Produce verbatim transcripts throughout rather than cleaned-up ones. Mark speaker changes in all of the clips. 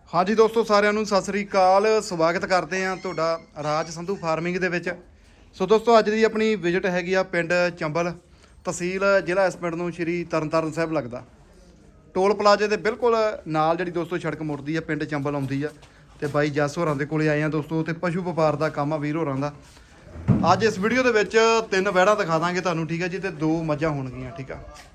Speaker 1: हाँ जी दोस्तों साਰਿਆਂ ਨੂੰ ਸਤਿ ਸ੍ਰੀ ਅਕਾਲ ਸਵਾਗਤ ਕਰਦੇ ਆਂ ਤੁਹਾਡਾ ਰਾਜ ਸੰਧੂ ਫਾਰਮਿੰਗ ਦੇ ਵਿੱਚ। ਸੋ ਦੋਸਤੋ ਅੱਜ ਦੀ ਆਪਣੀ ਵਿਜ਼ਿਟ ਹੈਗੀ ਆ ਪਿੰਡ ਚੰਬਲ, ਤਹਿਸੀਲ ਜ਼ਿਲ੍ਹਾ ਇਸ ਪਿੰਡ ਨੂੰ ਸ਼੍ਰੀ ਤਰਨਤਾਰਨ ਸਾਹਿਬ ਲੱਗਦਾ। ਟੋਲ ਪਲਾਜ਼ੇ ਦੇ ਬਿਲਕੁਲ ਨਾਲ ਜਿਹੜੀ ਦੋਸਤੋ ਸੜਕ ਮੁੜਦੀ ਆ ਪਿੰਡ ਚੰਬਲ ਆਉਂਦੀ ਆ। ਤੇ ਬਾਈ ਜੱਸ ਹੋਰਾਂ ਦੇ ਕੋਲੇ ਆਏ ਆ ਦੋਸਤੋ, ਤੇ ਪਸ਼ੂ ਵਪਾਰ ਦਾ ਕੰਮ ਆ ਵੀਰ ਹੋਰਾਂ ਦਾ। ਅੱਜ ਇਸ ਵੀਡੀਓ ਦੇ ਵਿੱਚ ਤਿੰਨ ਵਹਿੜਾਂ ਦਿਖਾ ਦਾਂਗੇ ਤੁਹਾਨੂੰ, ਠੀਕ ਹੈ ਜੀ, ਤੇ ਦੋ ਮੱਝਾਂ ਹੋਣਗੀਆਂ, ਠੀਕ ਆ।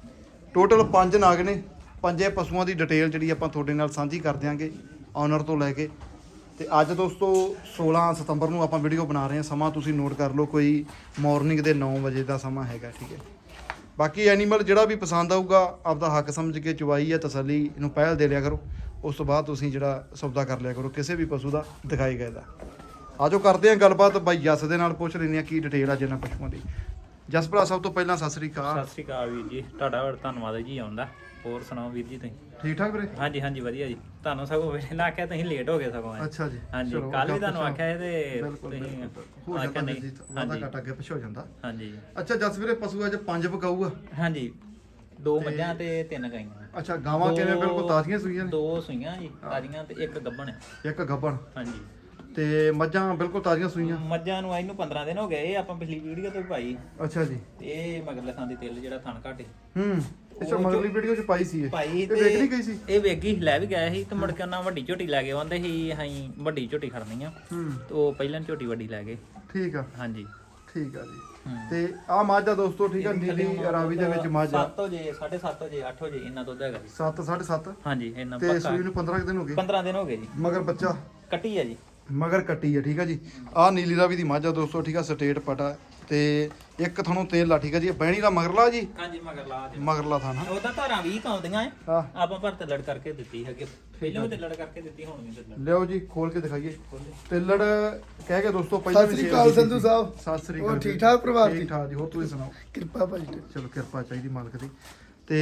Speaker 1: ਟੋਟਲ ਪੰਜ ਨਾਗ ਨੇ, ਪੰਜੇ ਪਸ਼ੂਆਂ ਦੀ ਡਿਟੇਲ ਜਿਹੜੀ ਆਪਾਂ ਤੁਹਾਡੇ ਨਾਲ ਸਾਂਝੀ ਕਰ ਦਿਆਂਗੇ ऑनर तो लैके। तो अज दोस्तों सोलह सितंबर को आप वीडियो बना रहे हैं। समा तुसी नोट कर लो, कोई मॉर्निंग के नौ बजे का समा है, ठीक है। बाकी एनीमल जोड़ा भी पसंद आऊगा आपका हक समझ के चुवाई है तसली इनू पहल दे लिया करो। उस तो बाद तुसी जोड़ा सौदा कर लिया करो किसी भी पशु का दिखाई गए का। आजो करते हैं गलबात भाई जस दे नाल पुछ लेने की डिटेल अज इन्होंने पशुओं की। जस भरा सब तो पहला सत श्री अकाल।
Speaker 2: सत श्री अकाल वीर जी, ਤੁਹਾਡਾ ਬੜਾ ਧੰਨਵਾਦ ਜੀ ਆਉਂਦਾ। ਹੋਰ ਸੁਣਾਓ ਵੀਰ ਜੀ ਤੁਸੀਂ
Speaker 1: ठीक ठाक ਵੀਰੇ?
Speaker 2: ਹਾਂਜੀ ਹਾਂਜੀ ਵਧੀਆ ਜੀ। ਤੁਹਾਨੂੰ ਸਗੋਂ ਵੇਲੇ ਨਾ ਆਖਿਆ ਤੁਸੀਂ ਲੇਟ ਹੋ ਗਏ ਸਗੋਂ।
Speaker 1: ਅੱਛਾ ਜੀ,
Speaker 2: ਹਾਂਜੀ ਕੱਲ ਵੀ ਤੁਹਾਨੂੰ ਆਖਿਆ ਇਹ ਤੇ
Speaker 1: ਬਿਲਕੁਲ
Speaker 2: ਤੁਸੀਂ
Speaker 1: ਹੋ
Speaker 2: ਆਖਿਆ
Speaker 1: ਜਾਂਦਾ
Speaker 2: ਨਹੀਂ।
Speaker 1: ਜੀ, ਵਾਦਾ ਘਟ ਅੱਗੇ ਪਿੱਛੇ ਹੋ ਜਾਂਦਾ।
Speaker 2: ਹਾਂਜੀ
Speaker 1: ਅੱਛਾ ਜਸ ਵੀਰੇ ਪਸ਼ੂ ਅੱਜ ਪੰਜ ਪਕਾਊਗਾ?
Speaker 2: ਹਾਂਜੀ ਦੋ ਮੱਝਾਂ ਤੇ ਤਿੰਨ ਗਾਈਆਂ।
Speaker 1: ਅੱਛਾ ਗਾਵਾਂ ਕਿਵੇਂ ਬਿਲਕੁਲ ਤਾਜ਼ੀਆਂ ਸੂਈਆਂ ਨੇ?
Speaker 2: ਦੋ ਸੂਈਆਂ ਜੀ ਤਾਜ਼ੀਆਂ ਤੇ ਇੱਕ ਗੱਭਣ ਹੈ।
Speaker 1: ਇੱਕ ਗੱਭਣ।
Speaker 2: ਹਾਂਜੀ
Speaker 1: ਤੇ ਮੱਝਾਂ ਬਿਲਕੁਲ ਤਾਜ਼ੀਆਂ ਸੂਈਆਂ?
Speaker 2: ਮੱਝਾਂ ਨੂੰ ਆਈ ਨੂੰ ਪੰਦਰਾਂ ਦਿਨ ਹੋ ਗਏ। ਇਹ ਆਪਾਂ ਪਿਛਲੀ ਵੀਡੀਓ ਤੋਂ ਪਾਈ।
Speaker 1: ਅੱਛਾ ਜੀ।
Speaker 2: ਇਹ ਮਗਰਲੇ ਥਾਂ ਦੀ ਤਿਲ ਜਿਹੜਾ ਥਣ ਘਾਟੇ।
Speaker 1: ਹੂੰ ਅੱਛਾ ਮਗਰਲੀ ਵੀਡੀਓ ਚ ਪਾਈ ਸੀ ਇਹ?
Speaker 2: ਪਾਈ
Speaker 1: ਤੇ ਵੇਖ ਨਹੀਂ ਗਈ ਸੀ?
Speaker 2: ਇਹ ਵੇਗੀ ਲੈ ਵੀ ਗਿਆ ਸੀ ਤੇ ਮੁੜ ਕੇ ਉਹਨਾਂ ਵੱਡੀ ਝੋਟੀ ਲੈ ਕੇ ਆਉਂਦੇ ਸੀ। ਅਸੀਂ ਵੱਡੀ ਝੋਟੀ ਖੜਨੀ ਆ।
Speaker 1: ਹੂੰ
Speaker 2: ਤੇ ਉਹ ਪਹਿਲਾਂ ਝੋਟੀ ਵੱਡੀ ਲੈ ਗਏ।
Speaker 1: ਠੀਕ ਆ।
Speaker 2: ਹਾਂਜੀ
Speaker 1: ਠੀਕ ਆ ਜੀ। ਤੇ ਆ ਮੱਝ ਆ ਦੋਸਤੋ, ਠੀਕ ਆ, ਨੀਲੀ ਰਾਵੀ ਦੇ ਵਿੱਚ ਮੱਝ ਆ।
Speaker 2: ਸੱਤ ਵਜੇ ਸਾਢੇ ਸੱਤ ਵਜੇ ਅੱਠ ਵਜੇ ਇੰਨਾ ਦੁੱਧ ਹੈਗਾ ਜੀ।
Speaker 1: ਸੱਤ ਸਾਢੇ ਸੱਤ।
Speaker 2: ਹਾਂਜੀ ਇੰਨਾ
Speaker 1: ਤੇ
Speaker 2: ਪੱਕਾ।
Speaker 1: ਸੂਈ ਨੂੰ ਪੰਦਰਾਂ ਕੁ ਦਿਨ ਹੋ ਗਏ?
Speaker 2: ਪੰਦਰਾਂ ਦਿਨ ਹੋ ਗਏ ਜੀ।
Speaker 1: ਮਗਰ ਬੱਚਾ
Speaker 2: ਕੱਟੀ ਆ ਜੀ।
Speaker 1: ਮਗਰ ਕੱਟੀ ਆ, ਠੀਕ ਆ ਜੀ। ਆ ਨੀਲੀ ਰਾਵੀ ਦੀ ਮੱਝ ਆ ਦੋਸਤੋ, ਠੀਕ ਆ, ਸਟੇਟ ਪਟਾ ਤੇ ਇੱਕ ਥਣੋਂ ਤੇਲ ਲਾ, ਠੀਕ ਆ ਜੀ। ਬਹਿਣੀ ਦਾ ਮਗਰਲਾ ਜੀ?
Speaker 2: ਹਾਂਜੀ ਮਗਰਲਾ ਜੀ।
Speaker 1: ਮਗਰਲਾ ਥਾਣਾ
Speaker 2: ਉਹਦਾ ਧਾਰਾਂ ਵੀਹ ਆਉਂਦੀਆਂ ਐ।
Speaker 1: ਹਾਂ
Speaker 2: ਆਪਾਂ ਪਰ ਤੇ ਲੜ ਕਰਕੇ ਦਿੱਤੀ ਹੈਗੀ, ਪਹਿਲਾਂ ਤੇ ਲੜ ਕਰਕੇ ਦਿੱਤੀ, ਹੁਣ ਵੀ ਤੇ ਲੜ।
Speaker 1: ਲਿਓ ਜੀ ਖੋਲ ਕੇ ਦਿਖਾਈਏ। ਤਿੱਲੜ ਕਹਿ ਕੇ ਦੋਸਤੋ ਪਹਿਲਾਂ
Speaker 3: ਸਤਿ ਸ੍ਰੀ ਅਕਾਲ ਸੰਧੂ ਸਾਹਿਬ।
Speaker 1: ਸਤਿ ਸ੍ਰੀ
Speaker 3: ਹੋਰ
Speaker 1: ਅਕਾਲ।
Speaker 3: ਠੀਕ ਠਾਕ ਪਰਿਵਾਰ
Speaker 1: ਠੀਕ ਠਾਕ ਜੀ। ਹੋਰ ਤੁਸੀਂ ਸੁਣਾਓ?
Speaker 3: ਕਿਰਪਾ ਭਾਜੀ ਤੇ।
Speaker 1: ਚਲੋ ਕਿਰਪਾ ਚਾਹੀਦੀ ਮਾਲਕ ਦੀ। ਤੇ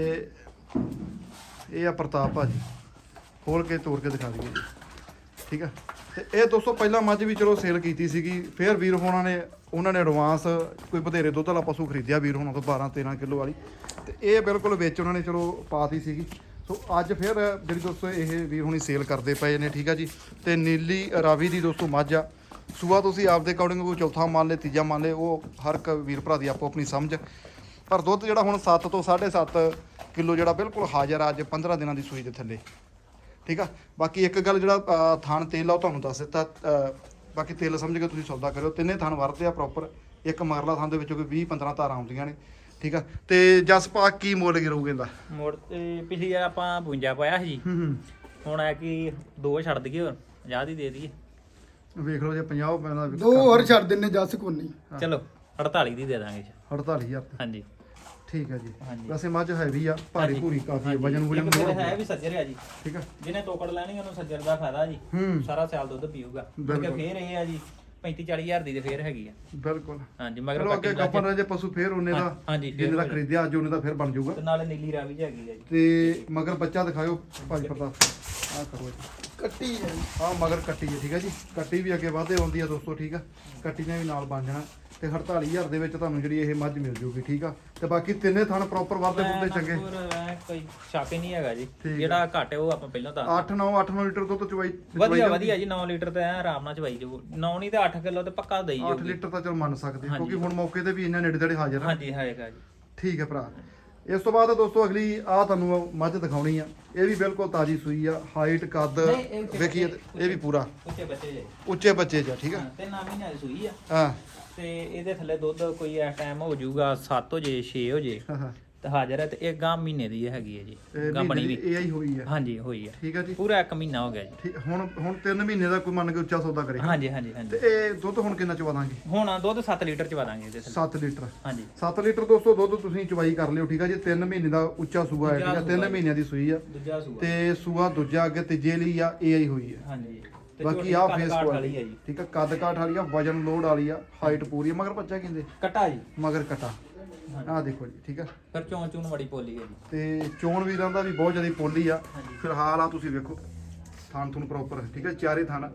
Speaker 1: ਇਹ ਆ ਪ੍ਰਤਾਪ ਭਾਜੀ, ਖੋਲ ਕੇ ਤੋੜ ਕੇ ਦਿਖਾ ਦਈਏ ਜੀ, ਠੀਕ ਆ। ਤੇ ਇਹ ਦੋਸਤੋ ਪਹਿਲਾਂ ਮੱਝ ਵੀ ਚਲੋ ਸੇਲ ਕੀਤੀ ਸੀਗੀ, ਫਿਰ ਵੀਰ ਹੋਣਾ ਨੇ ਉਹਨਾਂ ਨੇ ਐਡਵਾਂਸ ਕੋਈ ਬਥੇਰੇ ਦੁੱਧ ਵਾਲਾ ਪਸ਼ੂ ਖਰੀਦਿਆ ਵੀਰ ਹੋਣਾ ਤੋਂ ਬਾਰਾਂ ਤੇਰਾਂ ਕਿਲੋ ਵਾਲੀ, ਤੇ ਇਹ ਬਿਲਕੁਲ ਵਿੱਚ ਉਹਨਾਂ ਨੇ ਚਲੋ ਪਾਤੀ ਸੀਗੀ। ਸੋ ਅੱਜ ਫਿਰ ਜਿਹੜੀ ਦੋਸਤੋ ਇਹ ਵੀਰ ਹੁਣੀ ਸੇਲ ਕਰਦੇ ਪਏ ਨੇ, ਠੀਕ ਆ ਜੀ। ਤੇ ਨੀਲੀ ਰਾਵੀ ਦੀ ਦੋਸਤੋ ਮੱਝ ਆ। ਸੂਆ ਤੁਸੀਂ ਆਪਦੇ ਅਕੋਰਡਿੰਗ ਕੋਈ ਚੌਥਾ ਮੰਨ ਲੈ, ਤੀਜਾ ਮੰਨ ਲੈ, ਉਹ ਹਰ ਇੱਕ ਵੀਰ ਭਰਾ ਦੀ ਆਪੋ ਆਪਣੀ ਸਮਝ। ਪਰ ਦੁੱਧ ਜਿਹੜਾ ਹੁਣ ਸੱਤ ਤੋਂ ਸਾਢੇ ਸੱਤ ਕਿਲੋ ਜਿਹੜਾ ਬਿਲਕੁਲ ਹਾਜ਼ਰ ਆ ਅੱਜ ਪੰਦਰਾਂ ਦਿਨਾਂ ਦੀ ਸੂਈ ਦੇ ਥੱਲੇ, ਠੀਕ ਆ। ਬਾਕੀ ਇੱਕ ਗੱਲ ਜਿਹੜਾ ਥਣ ਤੇਲ ਆ ਉਹ ਤੁਹਾਨੂੰ ਦੱਸ ਦਿੱਤਾ। ਬਾਕੀ ਤੇਲ ਸਮਝ ਕੇ ਤੁਸੀਂ ਸੌਦਾ ਕਰਿਓ। ਤਿੰਨੇ ਥਣ ਵਰਤੇ ਆ ਪ੍ਰੋਪਰ। ਇੱਕ ਮਗਰਲਾ ਥਣ ਦੇ ਵਿੱਚੋਂ ਕੋਈ ਵੀਹ ਪੰਦਰਾਂ ਧਾਰਾਂ ਆਉਂਦੀਆਂ ਨੇ, ਠੀਕ ਆ। ਤੇ ਜਸ ਪਾ ਕੀ ਮੁੱਲ ਗਿਰੂਗੇ ਇਹਦਾ?
Speaker 2: ਮੋੜ ਤੇ ਪਿਛਲੀ ਵਾਰ ਆਪਾਂ ਬਵੰਜਾ ਪਾਇਆ ਸੀ ਜੀ।
Speaker 1: ਹੂੰ ਹੂੰ
Speaker 2: ਹੁਣ ਆ ਕਿ ਦੋ ਛੱਡ ਦਈਏ, ਹੋਰ ਪੰਜਾਹ ਦੀ ਦੇ ਦਈਏ।
Speaker 1: ਵੇਖ ਲਓ ਜੇ ਪੰਜਾਹ ਰੁਪਏ ਦਾ
Speaker 3: ਦੋ ਹੋਰ ਛੱਡ ਦਿੰਨੇ ਜੱਸ ਕੋ ਨਹੀਂ।
Speaker 2: ਚਲੋ ਅੜਤਾਲੀ ਦੀ ਦੇ ਦਾਂਗੇ ਜੀ।
Speaker 1: ਅੜਤਾਲੀ ਹਜ਼ਾਰ ਤੇ
Speaker 2: ਹਾਂਜੀ
Speaker 1: ਠੀਕ ਹੈ ਜੀ।
Speaker 2: ਹਾਂਜੀ।
Speaker 1: ਵੈਸੇ ਮੱਝ ਹੈਵੀ ਆ, ਭਾਰੀ ਭੂਰੀ ਕਾਫੀ ਆ, ਵਜਨ ਵਜਨ
Speaker 2: ਇੱਕ ਹੈ ਵੀ ਸੱਜਰ ਆ ਜੀ,
Speaker 1: ਠੀਕ ਆ।
Speaker 2: ਜਿਹਨੇ ਤੋਕੜ ਲੈਣੀ ਉਹਨੂੰ ਸੱਜਰ ਦਾ ਫਾਇਦਾ ਜੀ।
Speaker 1: ਹੂੰ
Speaker 2: ਸਾਰਾ ਸਾਲ ਦੁੱਧ ਪੀਊਗਾ। ਕਿਉਂਕਿ ਫੇਰ ਇਹ ਆ ਜੀ ਪੈਂਤੀ ਚਾਲੀ ਹਜ਼ਾਰ ਦੀ ਤੇ ਫੇਰ ਹੈਗੀ ਆ।
Speaker 1: ਬਿਲਕੁਲ।
Speaker 2: ਹਾਂਜੀ
Speaker 1: ਮਗਰ
Speaker 2: ਮਗਰ
Speaker 1: ਅੱਗੇ ਗੱਪਨ ਰਹੇ ਜੇ ਪਸ਼ੂ ਫੇਰ ਉਹਨੇ ਦਾ
Speaker 2: ਹਾਂਜੀ
Speaker 1: ਜਿੰਨੇ ਦਾ ਖਰੀਦਿਆ ਅੱਜ ਉਹਨੇ ਦਾ ਫੇਰ ਬਣ ਜਾਊਗਾ।
Speaker 2: ਤੇ ਨਾਲੇ ਨੀਲੀ ਰਾਵੀ ਚ ਹੈਗੀ ਆ ਜੀ।
Speaker 1: ਤੇ ਮਗਰ ਬੱਚਾ ਦਿਖਾਇਓ ਭਾਜੀ ਪ੍ਰਤਾਪ, ਆਹ ਕਰੋ ਜੀ।
Speaker 3: ਕੱਟੀ ਹੈ
Speaker 1: ਆਹ ਮਗਰ ਕੱਟੀ ਹੈ, ਠੀਕ ਹੈ ਜੀ। ਕੱਟੀ ਵੀ ਅੱਗੇ ਵਾਧੇ ਆਉਂਦੀ ਆ ਦੋਸਤੋ, ਠੀਕ ਆ। ਕੱਟੀ ਨੇ ਵੀ ਨਾਲ ਬਣ ਜਾਣਾ। ਤੇ ਅੜਤਾਲੀ ਹਜ਼ਾਰ ਦੇ ਵਿੱਚ ਤੁਹਾਨੂੰ ਜਿਹੜੀ ਇਹ ਮੱਝ ਮਿਲ ਜੂਗੀ, ਠੀਕ ਆ। ਤੇ ਬਾਕੀ ਤਿੰਨੇ ਥਣ ਪ੍ਰੋਪਰ ਵਾਧੇ ਬੁੱਧੇ ਚੰਗੇ,
Speaker 2: ਕੋਈ ਸ਼ੱਕ ਹੀ ਨਹੀਂ ਹੈਗਾ ਜੀ।
Speaker 1: ਠੀਕ
Speaker 2: ਜਿਹੜਾ ਘੱਟ ਹੈ ਉਹ ਆਪਾਂ ਪਹਿਲਾਂ ਦੱਸ
Speaker 1: ਅੱਠ ਨੌ ਅੱਠ ਨੌ ਲੀਟਰ ਦੁੱਧ ਚਵਾਈ
Speaker 2: ਵਧੀਆ ਵਧੀਆ ਜੀ। ਨੌ ਲੀਟਰ ਤੇ ਐ ਆਰਾਮ ਨਾਲ ਚਵਾਈ ਜਾਊ। ਨੌ ਨਹੀਂ ਤੇ ਅੱਠ ਕਿਲੋ ਤੇ ਪੱਕਾ ਦੇਈ
Speaker 1: ਅੱਠ
Speaker 2: ਜਾਊਗੀ।
Speaker 1: ਲੀਟਰ ਤਾਂ ਚਲ ਮੰਨ ਸਕਦੇ ਕਿਉਂਕਿ ਹੁਣ ਮੌਕੇ ਤੇ ਵੀ ਇਹਨਾਂ ਨੇੜੇ ਤੇੜੇ ਹਾਜ਼ਰ ਆ।
Speaker 2: ਹਾਂਜੀ ਹੈਗਾ ਜੀ।
Speaker 1: ਠੀਕ ਹੈ ਭਰਾ। ਇਸ ਤੋਂ ਬਾਅਦ ਦੋਸਤੋ ਅਗਲੀ ਆ ਤੁਹਾਨੂੰ ਮੱਝ ਦਿਖਾਉਣੀ ਆ। ਇਹ ਵੀ ਬਿਲਕੁਲ ਤਾਜ਼ੀ ਸੂਈ ਆ। ਹਾਈਟ ਕੱਦ ਵੇਖੀਏ ਇਹ ਵੀ ਪੂਰਾ
Speaker 2: ਉੱਚੇ ਬੱਚੇ ਜੀ,
Speaker 1: ਉੱਚੇ ਬੱਚੇ ਜਾ, ਠੀਕ ਆ।
Speaker 2: ਤੇ ਨਾ ਮਹੀਨਿਆਂ ਦੀ ਸੂਈ ਆ।
Speaker 1: ਹਾਂ
Speaker 2: ਤੇ ਇਹਦੇ ਥੱਲੇ ਦੁੱਧ ਕੋਈ ਇਸ ਟਾਈਮ ਹੋ ਜਾਊਗਾ ਸੱਤ ਹੋ ਜੇ ਛੇ ਹੋ ਜੇ
Speaker 1: ਹਾਂ ਹਾਂ
Speaker 2: ਤੇ ਹਾਜ਼ਰ ਹੈ। ਤੇ ਇਹ ਗਾਂ ਮਹੀਨੇ ਦੀ ਹੈਗੀ ਹੈ ਜੀ। ਗਾਂ ਬਣੀ ਵੀ
Speaker 1: ਇਹ ਆਈ ਹੋਈ ਆ।
Speaker 2: ਹਾਂਜੀ ਹੋਈ ਹੈ,
Speaker 1: ਠੀਕ ਆ ਜੀ।
Speaker 2: ਪੂਰਾ ਇੱਕ ਮਹੀਨਾ ਹੋ ਗਿਆ ਜੀ।
Speaker 1: ਠੀਕ ਹੁਣ ਹੁਣ ਤਿੰਨ ਮਹੀਨੇ ਦਾ ਕੋਈ ਮੰਨ ਕੇ ਉੱਚਾ ਸੌਦਾ ਕਰੇ।
Speaker 2: ਹਾਂਜੀ ਹਾਂਜੀ ਹਾਂਜੀ।
Speaker 1: ਤੇ ਇਹ ਦੁੱਧ ਹੁਣ ਕਿੰਨਾ ਚਵਾ ਦਾਂਗੇ?
Speaker 2: ਹੁਣ ਦੁੱਧ ਸੱਤ ਲੀਟਰ ਚਵਾ ਦਾਂਗੇ ਇਹਦੇ ਥੱਲੇ।
Speaker 1: ਸੱਤ ਲੀਟਰ।
Speaker 2: ਹਾਂਜੀ
Speaker 1: ਸੱਤ ਲੀਟਰ ਦੋਸਤੋ ਦੁੱਧ ਤੁਸੀਂ ਚਵਾਈ ਕਰ ਲਿਓ, ਠੀਕ ਆ ਜੀ। ਤਿੰਨ ਮਹੀਨੇ ਦਾ ਉੱਚਾ ਸੂਆ ਹੈ, ਠੀਕ ਆ। ਤਿੰਨ ਮਹੀਨਿਆਂ ਦੀ ਸੂਈ ਆ।
Speaker 2: ਦੂਜਾ ਸੂਆ
Speaker 1: ਤੇ ਸੂਆ ਦੂਜਾ ਅੱਗੇ ਤੀਜੇ ਲਈ ਆ, ਇਹ ਆਈ ਹੋਈ ਆ।
Speaker 2: ਹਾਂਜੀ। ਤੇ
Speaker 1: ਬਾਕੀ ਆ ਫੇਸ
Speaker 2: ਵਾਲੀ ਹੈ ਜੀ,
Speaker 1: ਠੀਕ ਆ। ਕੱਦ ਕਾਠ ਵਾਲੀ ਆ, ਵਜਨ ਲੋਡ ਵਾਲੀ ਆ, ਹਾਈਟ ਪੂਰੀ ਆ। ਮਗਰ ਬੱਚਾ ਕਹਿੰਦੇ
Speaker 2: ਕਟਾ ਜੀ।
Speaker 1: ਮਗਰ ਕਟਾ। ਆਹ ਦੇਖੋ ਜੀ, ਠੀਕ ਆ।
Speaker 2: ਫਿਰ ਚੋਂ ਚੂਨ ਬੜੀ ਪੋਲੀ ਹੈ ਜੀ।
Speaker 1: ਤੇ ਚੋਣ ਵੀਰਾਂ ਦਾ ਵੀ ਬਹੁਤ ਜ਼ਿਆਦਾ ਪੋਲੀ ਆ। ਫਿਲਹਾਲ ਆ ਤੁਸੀਂ ਵੇਖੋ ਥਣ ਥਣ ਪ੍ਰੋਪਰ, ਠੀਕ ਆ। ਚਾਰੇ ਥਣ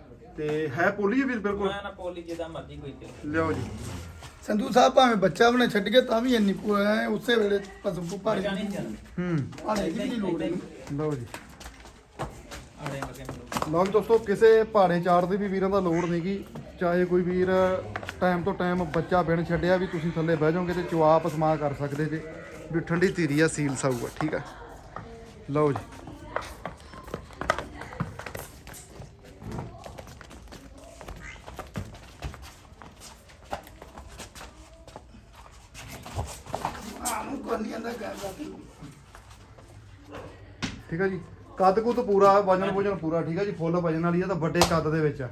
Speaker 1: ਤੇ ਹੈ ਪੋਲੀ ਹੈ ਵੀਰ ਬਿਲਕੁਲ।
Speaker 2: ਮੈਂ ਨਾ ਪੋਲੀ ਜਿੱਦਾਂ ਮਰਜ਼ੀ ਕੋਈ ਤੇ
Speaker 1: ਲਿਓ ਜੀ।
Speaker 3: ਸੰਧੂ ਸਾਹਿਬ ਭਾਵੇਂ ਬੱਚਾ ਬਣੇ ਛੱਡ ਕੇ ਤਾਂ ਵੀ ਇੰਨੀ ਪੂਰਾ ਹੈ ਉਸੇ ਵੇਲੇ ਪਸ਼ੂ ਭਾਰੇ
Speaker 2: ਜਾਣੀ ਜਾਂਦੀ
Speaker 1: ਹੂੰ
Speaker 3: ਭਾਰੇ ਦੀ ਵੀ ਨਹੀਂ ਲੋੜ ਹੈ।
Speaker 1: ਲਓ ਜੀ।
Speaker 2: ਆੜੇ
Speaker 1: ਲਓ ਜੀ ਦੋਸਤੋ, ਕਿਸੇ ਭਾੜੇ ਚਾਰ ਦੀ ਵੀ ਵੀਰਾਂ ਦਾ ਲੋੜ ਨਹੀਂਗੀ। ਚਾਹੇ ਕੋਈ ਵੀਰ ਟਾਈਮ ਤੋਂ ਟਾਈਮ ਬੱਚਾ ਬਿਨ ਛੱਡਿਆ ਵੀ ਤੁਸੀਂ ਥੱਲੇ ਬਹਿ ਜਾਓਗੇ ਤੇ ਚਵਾਪ ਸਮਾ ਕਰ ਸਕਦੇ ਜੇ ਵੀ ਠੰਡੀ ਧੀਰੀ ਆ, ਸੀਲ ਸਾਊ ਆ। ਠੀਕ ਆ, ਲਓ ਜੀ। ਠੀਕ ਆ ਜੀ, ਕੱਦ ਕੁੱਦ ਪੂਰਾ, ਵਜਨ ਵਜਨ ਪੂਰਾ। ਠੀਕ ਆ ਜੀ, ਫੁੱਲ ਵਜਨ ਵਾਲੀ ਆ ਤਾਂ ਵੱਡੇ ਕੱਦ ਦੇ ਵਿੱਚ ਆ।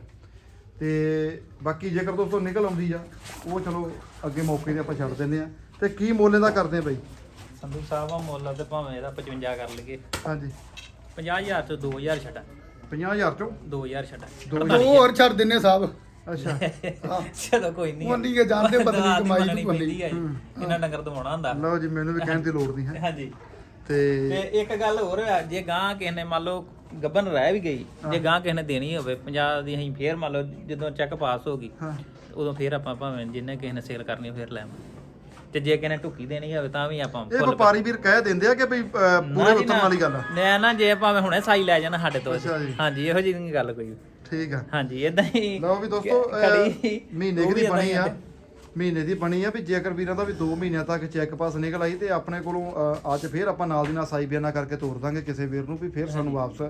Speaker 1: ਤੇ ਬਾਕੀ ਜੇਕਰ ਦੋਸਤੋ ਨਿਕਲ ਆਉਂਦੀ ਆ ਉਹ ਚਲੋ ਅੱਗੇ ਮੌਕੇ ਤੇ ਆਪਾਂ ਛੱਡ ਦਿੰਦੇ ਆ। ਤੇ ਕੀ ਮੁੱਲ ਇਹਦਾ ਕਰਦੇ ਆ ਬਾਈ?
Speaker 2: ਸੰਧੂ ਸਾਹਿਬ ਆ ਮੁੱਲ ਤੇ ਭਾਵੇਂ ਇਹਦਾ ਪਚਵੰਜਾ ਕਰ ਲਈਏ।
Speaker 1: ਹਾਂਜੀ,
Speaker 2: ਪੰਜਾਹ ਹਜ਼ਾਰ ਤੋਂ ਦੋ ਹਜ਼ਾਰ ਛੱਡਾ।
Speaker 1: ਪੰਜਾਹ ਹਜ਼ਾਰ ਚੋਂ
Speaker 2: ਦੋ ਹਜ਼ਾਰ ਛੱਡਾ।
Speaker 1: ਦੋ
Speaker 3: ਦੋ ਹੋਰ ਛੱਡ ਦਿੰਨੇ ਸਾਹਿਬ।
Speaker 1: ਅੱਛਾ,
Speaker 3: ਹਾਂ
Speaker 2: ਚਲੋ ਕੋਈ ਨਹੀਂ।
Speaker 3: ਉਹ ਨਹੀਂ ਕਿ ਜਾਣਦੇ ਬਦਲੀ
Speaker 2: ਆਹ ਦੀ
Speaker 3: ਕਮਾਈ
Speaker 2: ਮੰਨਣੀ
Speaker 3: ਦੀ ਕੋਲੀ।
Speaker 2: ਪੈਂਦੀ ਆ ਜੀ। ਇਹਨਾਂ ਡੰਗਰ ਦਵਾਉਣਾ ਹੁੰਦਾ।
Speaker 1: ਲਓ ਜੀ, ਮੈਨੂੰ ਵੀ ਕਹਿਣ ਦੀ ਲੋੜ ਨਹੀਂ ਹੈ।
Speaker 2: ਹਾਂਜੀ।
Speaker 1: ਤੇ
Speaker 2: ਤੇ ਇੱਕ ਗੱਲ ਹੋਰ ਆ, ਜੇ ਗਾਂ ਕਿਸੇ ਨੇ ਮੰਨ ਲਓ ਗੱਬਨ ਰਹਿ ਵੀ ਗਈ, ਜੇ ਗਾਂ ਕਿਸੇ ਨੇ ਦੇਣੀ ਹੋਵੇ ਪੰਜਾਹ ਦੀ, ਅਸੀਂ ਫੇਰ ਮੰਨ ਲਓ ਜਦੋਂ ਚੈੱਕ ਪਾਸ ਹੋ ਗਈ
Speaker 1: ਹਾਂ,
Speaker 2: ਉਦੋਂ ਫੇਰ ਆਪਾਂ ਭਾਵੇਂ ਜਿੰਨੇ ਕਿਸੇ ਨੇ ਸੇਲ ਕਰਨੀ ਫੇਰ ਲੈ ਆਵਾਂਗੇ। ਤੇ ਜੇ ਕਿਸੇ ਨੇ ਢੁੱਕੀ ਦੇਣੀ ਹੋਵੇ ਤਾਂ ਵੀ ਆਪਾਂ
Speaker 1: ਇਹ ਵਪਾਰੀ ਵੀਰ ਕਹਿ ਦਿੰਦੇ ਆ ਕਿ ਭਈ ਅਹ, ਪੂਰੇ ਉੱਤਰ ਵਾਲੀ ਗੱਲ ਆ।
Speaker 2: ਨਾ ਨਾ, ਜੇ ਭਾਵੇਂ ਹੁਣੇ ਸਾਈ ਲੈ ਜਾਣਾ ਸਾਡੇ ਤੋਂ।
Speaker 1: ਅੱਛਾ ਜੀ।
Speaker 2: ਹਾਂਜੀ, ਇਹੋ ਜਿਹੀ ਗੱਲ ਕੋਈ।
Speaker 1: ਠੀਕ ਆ,
Speaker 2: ਹਾਂਜੀ, ਇਦਾਂ ਹੀ।
Speaker 1: ਲਓ ਵੀ ਦੋਸਤੋ, ਅਹ,
Speaker 2: ਖੜੀ
Speaker 1: ਮਹੀਨੇ
Speaker 2: ਉਹ
Speaker 1: ਕੁ
Speaker 2: ਵੀ
Speaker 1: ਦੀ
Speaker 2: ਏਦਾਂ
Speaker 1: ਬਣੀ
Speaker 2: ਹੀ
Speaker 1: ਆ।
Speaker 2: ਆ।
Speaker 1: ਮਹੀਨੇ ਦੀ ਬਣੀ ਆ ਵੀ ਜੇਕਰ ਵੀਰਾਂ ਦਾ ਵੀ ਦੋ ਮਹੀਨਿਆਂ ਤੱਕ ਚੈੱਕ ਪਾਸ ਨਿਕਲ ਆਈ ਤੇ ਆਪਣੇ ਕੋਲੋਂ ਅਹ, ਅੱਜ ਫੇਰ ਆਪਾਂ ਨਾਲ ਦੀ ਨਾਲ ਸਾਈ ਬਿਆਨਾ ਕਰਕੇ ਤੋਰ ਦਾਂਗੇ ਕਿਸੇ ਵੀਰ ਨੂੰ ਵੀ ਫੇਰ ਸਾਨੂੰ ਵਾਪਸ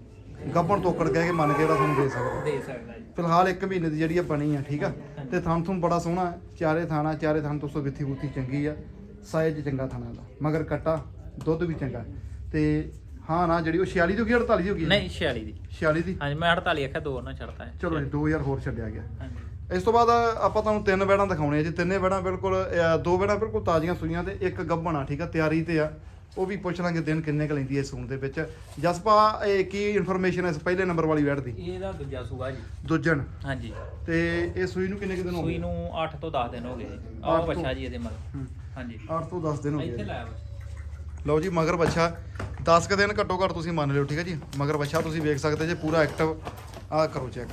Speaker 1: ਗੱਬਣ ਤੋਕੜ ਕਹਿ ਕੇ ਮੰਨ ਕੇ ਜਿਹੜਾ ਤੁਹਾਨੂੰ ਦੇ ਸਕਦਾ।
Speaker 2: ਦੇ ਸਕਦਾ ਜੀ।
Speaker 1: ਫਿਲਹਾਲ ਇੱਕ ਮਹੀਨੇ ਦੀ ਜਿਹੜੀ ਆ ਬਣੀ ਆ। ਠੀਕ ਆ, ਤੇ ਥਣ ਥੁਣ ਬੜਾ ਸੋਹਣਾ ਹੈ। ਚਾਰੇ ਥਾਣਾ ਚਾਰੇ ਥਣ ਤੋਂ ਵਿੱਥੀ ਬੂਥੀ ਚੰਗੀ ਆ, ਸਾਈਜ਼ ਚੰਗਾ ਥਾਣਾ ਦਾ, ਮਗਰ ਕੱਟਾ, ਦੁੱਧ ਵੀ ਚੰਗਾ। ਤੇ ਹਾਂ ਨਾ ਜਿਹੜੀ ਉਹ ਛਿਆਲੀ ਦੀ ਹੋ ਗਈ, ਅੜਤਾਲੀ ਦੀ ਹੋ ਗਈ?
Speaker 2: ਨਹੀਂ, ਛਿਆਲੀ ਦੀ।
Speaker 1: ਛਿਆਲੀ ਦੀ।
Speaker 2: ਹਾਂਜੀ, ਮੈਂ ਅੜਤਾਲੀ ਆਖਿਆ, ਦੋ ਨਾ ਛੱਡਤਾ ਹੈ।
Speaker 1: ਚਲੋ ਜੀ, ਦੋ ਹਜ਼ਾਰ ਹੋਰ ਛੱਡਿਆ ਗਿਆ।
Speaker 2: ਹਾਂਜੀ।
Speaker 1: ਇਸ ਤੋਂ ਬਾਅਦ ਆਪਾਂ ਤੁਹਾਨੂੰ ਤਿੰਨ ਬੈੜਾਂ ਦਿਖਾਉਣੇ ਆ ਜੀ। ਤਿੰਨੇ ਬੈੜਾਂ ਬਿਲਕੁਲ ਅਹ, ਦੋ ਬੈੜਾਂ ਬਿਲਕੁਲ ਤਾਜ਼ੀਆਂ ਸੂਈਆਂ ਤੇ ਇੱਕ ਗੱਭਣ ਆ। ਠੀਕ ਆ, ਤਿਆਰੀ ਤੇ ਆ। ਉਹ ਵੀ ਪੁੱਛ ਲਾਂਗੇ ਦਿਨ ਕਿੰਨੇ ਕੁ ਲੈਂਦੀ ਹੈ ਸੂਣ ਦੇ ਵਿੱਚ। ਜਸਪਾ, ਇਹ ਕੀ ਇਨਫੋਰਮੇਸ਼ਨ ਹੈ ਇਸ ਪਹਿਲੇ ਨੰਬਰ ਵਾਲੀ ਬੈੜ ਦੀ?
Speaker 2: ਇਹਦਾ ਦੂਜਾ ਸੂਆ ਜੀ।
Speaker 1: ਦੂਜਣ।
Speaker 2: ਹਾਂਜੀ।
Speaker 1: ਤੇ ਇਹ ਸੂਈ ਨੂੰ ਕਿੰਨੇ ਕੁ ਦਿਨ ਹੋ
Speaker 2: ਸੂਈ
Speaker 1: ਗਏ?
Speaker 2: ਨੂੰ ਅੱਠ ਤੋਂ ਦਸ ਦਿਨ ਹੋ ਗਏ ਜੀ।
Speaker 1: ਅੱਠ
Speaker 2: ਆਹ
Speaker 1: ਤੋਂ-
Speaker 2: ਬੱਚਾ ਜੀ ਇਹਦੇ ਮਗਰ।
Speaker 1: ਹੂੰ।
Speaker 2: ਹਾਂਜੀ,
Speaker 1: ਅੱਠ ਤੋਂ ਦਸ ਦਿਨ ਹੋ
Speaker 2: ਇੱਥੇ
Speaker 1: ਗਏ।
Speaker 2: ਲਾਇਆ ਵਾ।
Speaker 1: ਲਓ ਜੀ, ਮਗਰ ਬੱਚਾ ਦਸ ਕੁ ਦਿਨ ਘੱਟੋ ਘੱਟ ਤੁਸੀਂ ਮੰਨ ਲਿਓ। ਠੀਕ ਹੈ ਜੀ, ਮਗਰ ਬੱਚਾ ਤੁਸੀਂ ਵੇਖ ਸਕਦੇ ਜੇ ਪੂਰਾ ਐਕਟਿਵ। ਆਹ ਕਰੋ ਚੈੱਕ।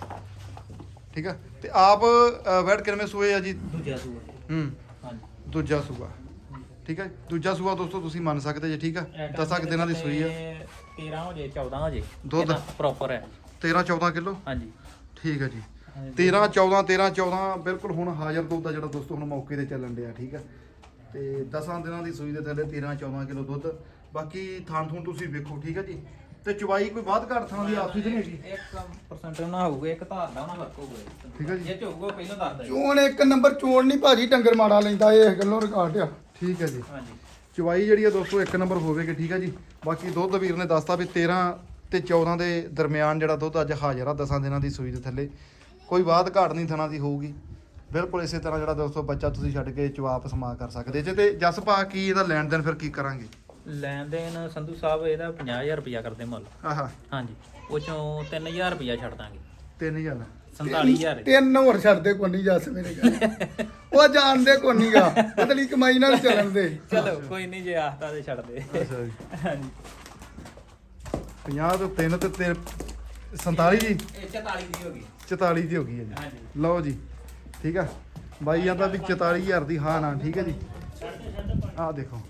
Speaker 1: ਠੀਕ ਆ, ਤੇ ਆਪ ਵੈਟ ਕਿੰਨੇ ਸੂਏ ਆ ਜੀ?
Speaker 2: ਦੂਜਾ ਸੂਆ।
Speaker 1: ਹੂੰ,
Speaker 2: ਹਾਂਜੀ।
Speaker 1: ਦੂਜਾ ਸੂਆ। ਠੀਕ ਹੈ, ਦੂਜਾ ਸੂਆ ਦੋਸਤੋ ਤੁਸੀਂ ਮੰਨ ਸਕਦੇ ਜੇ। ਠੀਕ ਆ, ਦਸਾਂ ਕੁ ਦਿਨਾਂ ਦੀ ਸੂਈ ਆ।
Speaker 2: ਤੇਰਾਂ ਹੋ ਜੇ, ਚੌਦਾਂ ਹੋ ਜੇ
Speaker 1: ਦੁੱਧ
Speaker 2: ਪ੍ਰੋਪਰ ਹੈ।
Speaker 1: ਤੇਰਾਂ ਚੌਦਾਂ ਕਿਲੋ।
Speaker 2: ਹਾਂਜੀ।
Speaker 1: ਠੀਕ ਹੈ ਜੀ,
Speaker 2: ਹਾਂਜੀ।
Speaker 1: ਤੇਰਾਂ ਚੌਦਾਂ ਤੇਰਾਂ ਚੌਦਾਂ ਬਿਲਕੁਲ ਹੁਣ ਹਾਜ਼ਰ ਦੁੱਧ ਦਾ ਜਿਹੜਾ ਦੋਸਤੋ ਹੁਣ ਮੌਕੇ ਤੇ ਚੱਲਣ ਡਿਆ। ਠੀਕ ਆ, ਤੇ ਦਸਾਂ ਦਿਨਾਂ ਦੀ ਸੂਈ ਦੇ ਥੱਲੇ ਤੇਰਾਂ ਚੌਦਾਂ ਕਿਲੋ ਦੁੱਧ। ਬਾਕੀ ਥਾਣ ਥੂਣ ਤੁਸੀਂ ਵੇਖੋ। ਠੀਕ ਹੈ ਜੀ, ਤੇ ਚਵਾਈ ਕੋਈ ਬਾਤ ਘੱਟ ਥਾਂ ਦੀ ਆਪਸੀ ਤੇ ਨਹੀਂ ਹੈਗੀ।
Speaker 2: ਇੱਕ ਪਰਸੈਂਟ ਨਾ ਹੋਊਗਾ, ਇੱਕ ਧਾਰ ਦਾ ਨਾ ਫਰਕ ਹੋਊਗਾ।
Speaker 1: ਠੀਕ ਹੈ ਜੀ।
Speaker 2: ਜੇ ਝੁਕੂਗਾ ਪਹਿਲਾਂ ਦੱਸਦਾ ਜੀ।
Speaker 3: ਚੋਣ ਇੱਕ ਨੰਬਰ ਚੋਣ ਨਹੀਂ ਭਾਜੀ, ਡੰਗਰ ਮਾੜਾ ਲੈਂਦਾ, ਇਹ ਗੱਲੋਂ ਰਿਕਾਰਡ ਆ।
Speaker 1: ਠੀਕ ਹੈ ਜੀ,
Speaker 2: ਹਾਂਜੀ।
Speaker 1: ਚਵਾਈ ਜਿਹੜੀ ਆ ਦੋਸਤੋ ਇੱਕ ਨੰਬਰ ਹੋਵੇਗੀ। ਠੀਕ ਹੈ ਜੀ, ਬਾਕੀ ਦੁੱਧ ਵੀਰ ਨੇ ਦੱਸਤਾ ਵੀ ਤੇਰਾਂ ਤੇ ਚੌਦਾਂ ਦੇ ਦਰਮਿਆਨ ਜਿਹੜਾ ਦੁੱਧ ਅੱਜ ਹਾਜ਼ਰ ਆ ਦਸਾਂ ਦਿਨਾਂ ਦੀ ਸੂਈ ਦੇ ਥੱਲੇ। ਕੋਈ ਬਾਤ ਘਾਟ ਨਹੀਂ ਥਣਾ ਦੀ ਹੋਊਗੀ। ਬਿਲਕੁਲ ਇਸੇ ਤਰ੍ਹਾਂ ਜਿਹੜਾ ਦੋਸਤੋ ਬੱਚਾ ਤੁਸੀਂ ਛੱਡ ਕੇ ਚਵਾਪ ਸਮਾ ਕਰ ਸਕਦੇ ਜੇ। ਤੇ ਜਸ ਭਾ ਕੀ ਇਹਦਾ ਲੈਣ ਦੇਣ ਫਿਰ ਕੀ ਕਰਾਂਗੇ?
Speaker 2: ਲੈਣ ਦੇਣ ਸੰਧੂ ਸਾਹਿਬ ਇਹਦਾ ਪੰਜਾਹ ਹਜ਼ਾਰ ਰੁਪਇਆ ਕਰਦੇ ਮੁੱਲ।
Speaker 1: ਆਹਾ,
Speaker 2: ਹਾਂਜੀ, ਉਹ ਚੋਂ ਤਿੰਨ ਹਜ਼ਾਰ ਰੁਪਇਆ ਛੱਡ ਦਾਂਗੇ।
Speaker 1: ਤਿੰਨ ਹਜ਼ਾਰ
Speaker 2: ਸੰਤਾਲੀ ਹਜ਼ਾਰ।
Speaker 3: ਤਿੰਨ ਹੋਰ ਛੱਡਦੇ ਕੋਈ ਨਹੀਂ ਜੱਸ ਮੇਰੇ ਘਰ। ਉਹ ਜਾਣਦੇ ਕੋਈ ਨਹੀਂਗਾ, ਬਦਲੀ ਕਮਾਈ ਨਾਲ ਚੱਲਣ ਦੇ।
Speaker 2: ਚਲੋ ਕੋਈ ਨਹੀਂ, ਜੇ ਆਖਦਾ ਤੇ ਛੱਡ ਦੇ।
Speaker 1: ਅੱਛਾ ਜੀ,
Speaker 2: ਹਾਂਜੀ।
Speaker 1: ਪੰਜਾਹ ਤੋਂ ਤਿੰਨ ਤੇ ਤਿੰਨ ਸੰਤਾਲੀ ਜੀ,
Speaker 2: ਇਹ ਚੁਤਾਲੀ ਦੀ ਹੋ ਗਈ।
Speaker 1: ਚੁਤਾਲੀ ਦੀ ਹੋ ਗਈ ਹੈ ਜੀ।
Speaker 2: ਹਾਂਜੀ।
Speaker 1: ਲਓ ਜੀ, ਠੀਕ ਆ, ਬਾਈ ਜਾਂਦਾ ਵੀ ਚੁਤਾਲੀ ਹਜ਼ਾਰ ਦੀ ਹਾਂ ਨਾ। ਠੀਕ ਹੈ ਜੀ, ਆਹ ਦੇਖੋ।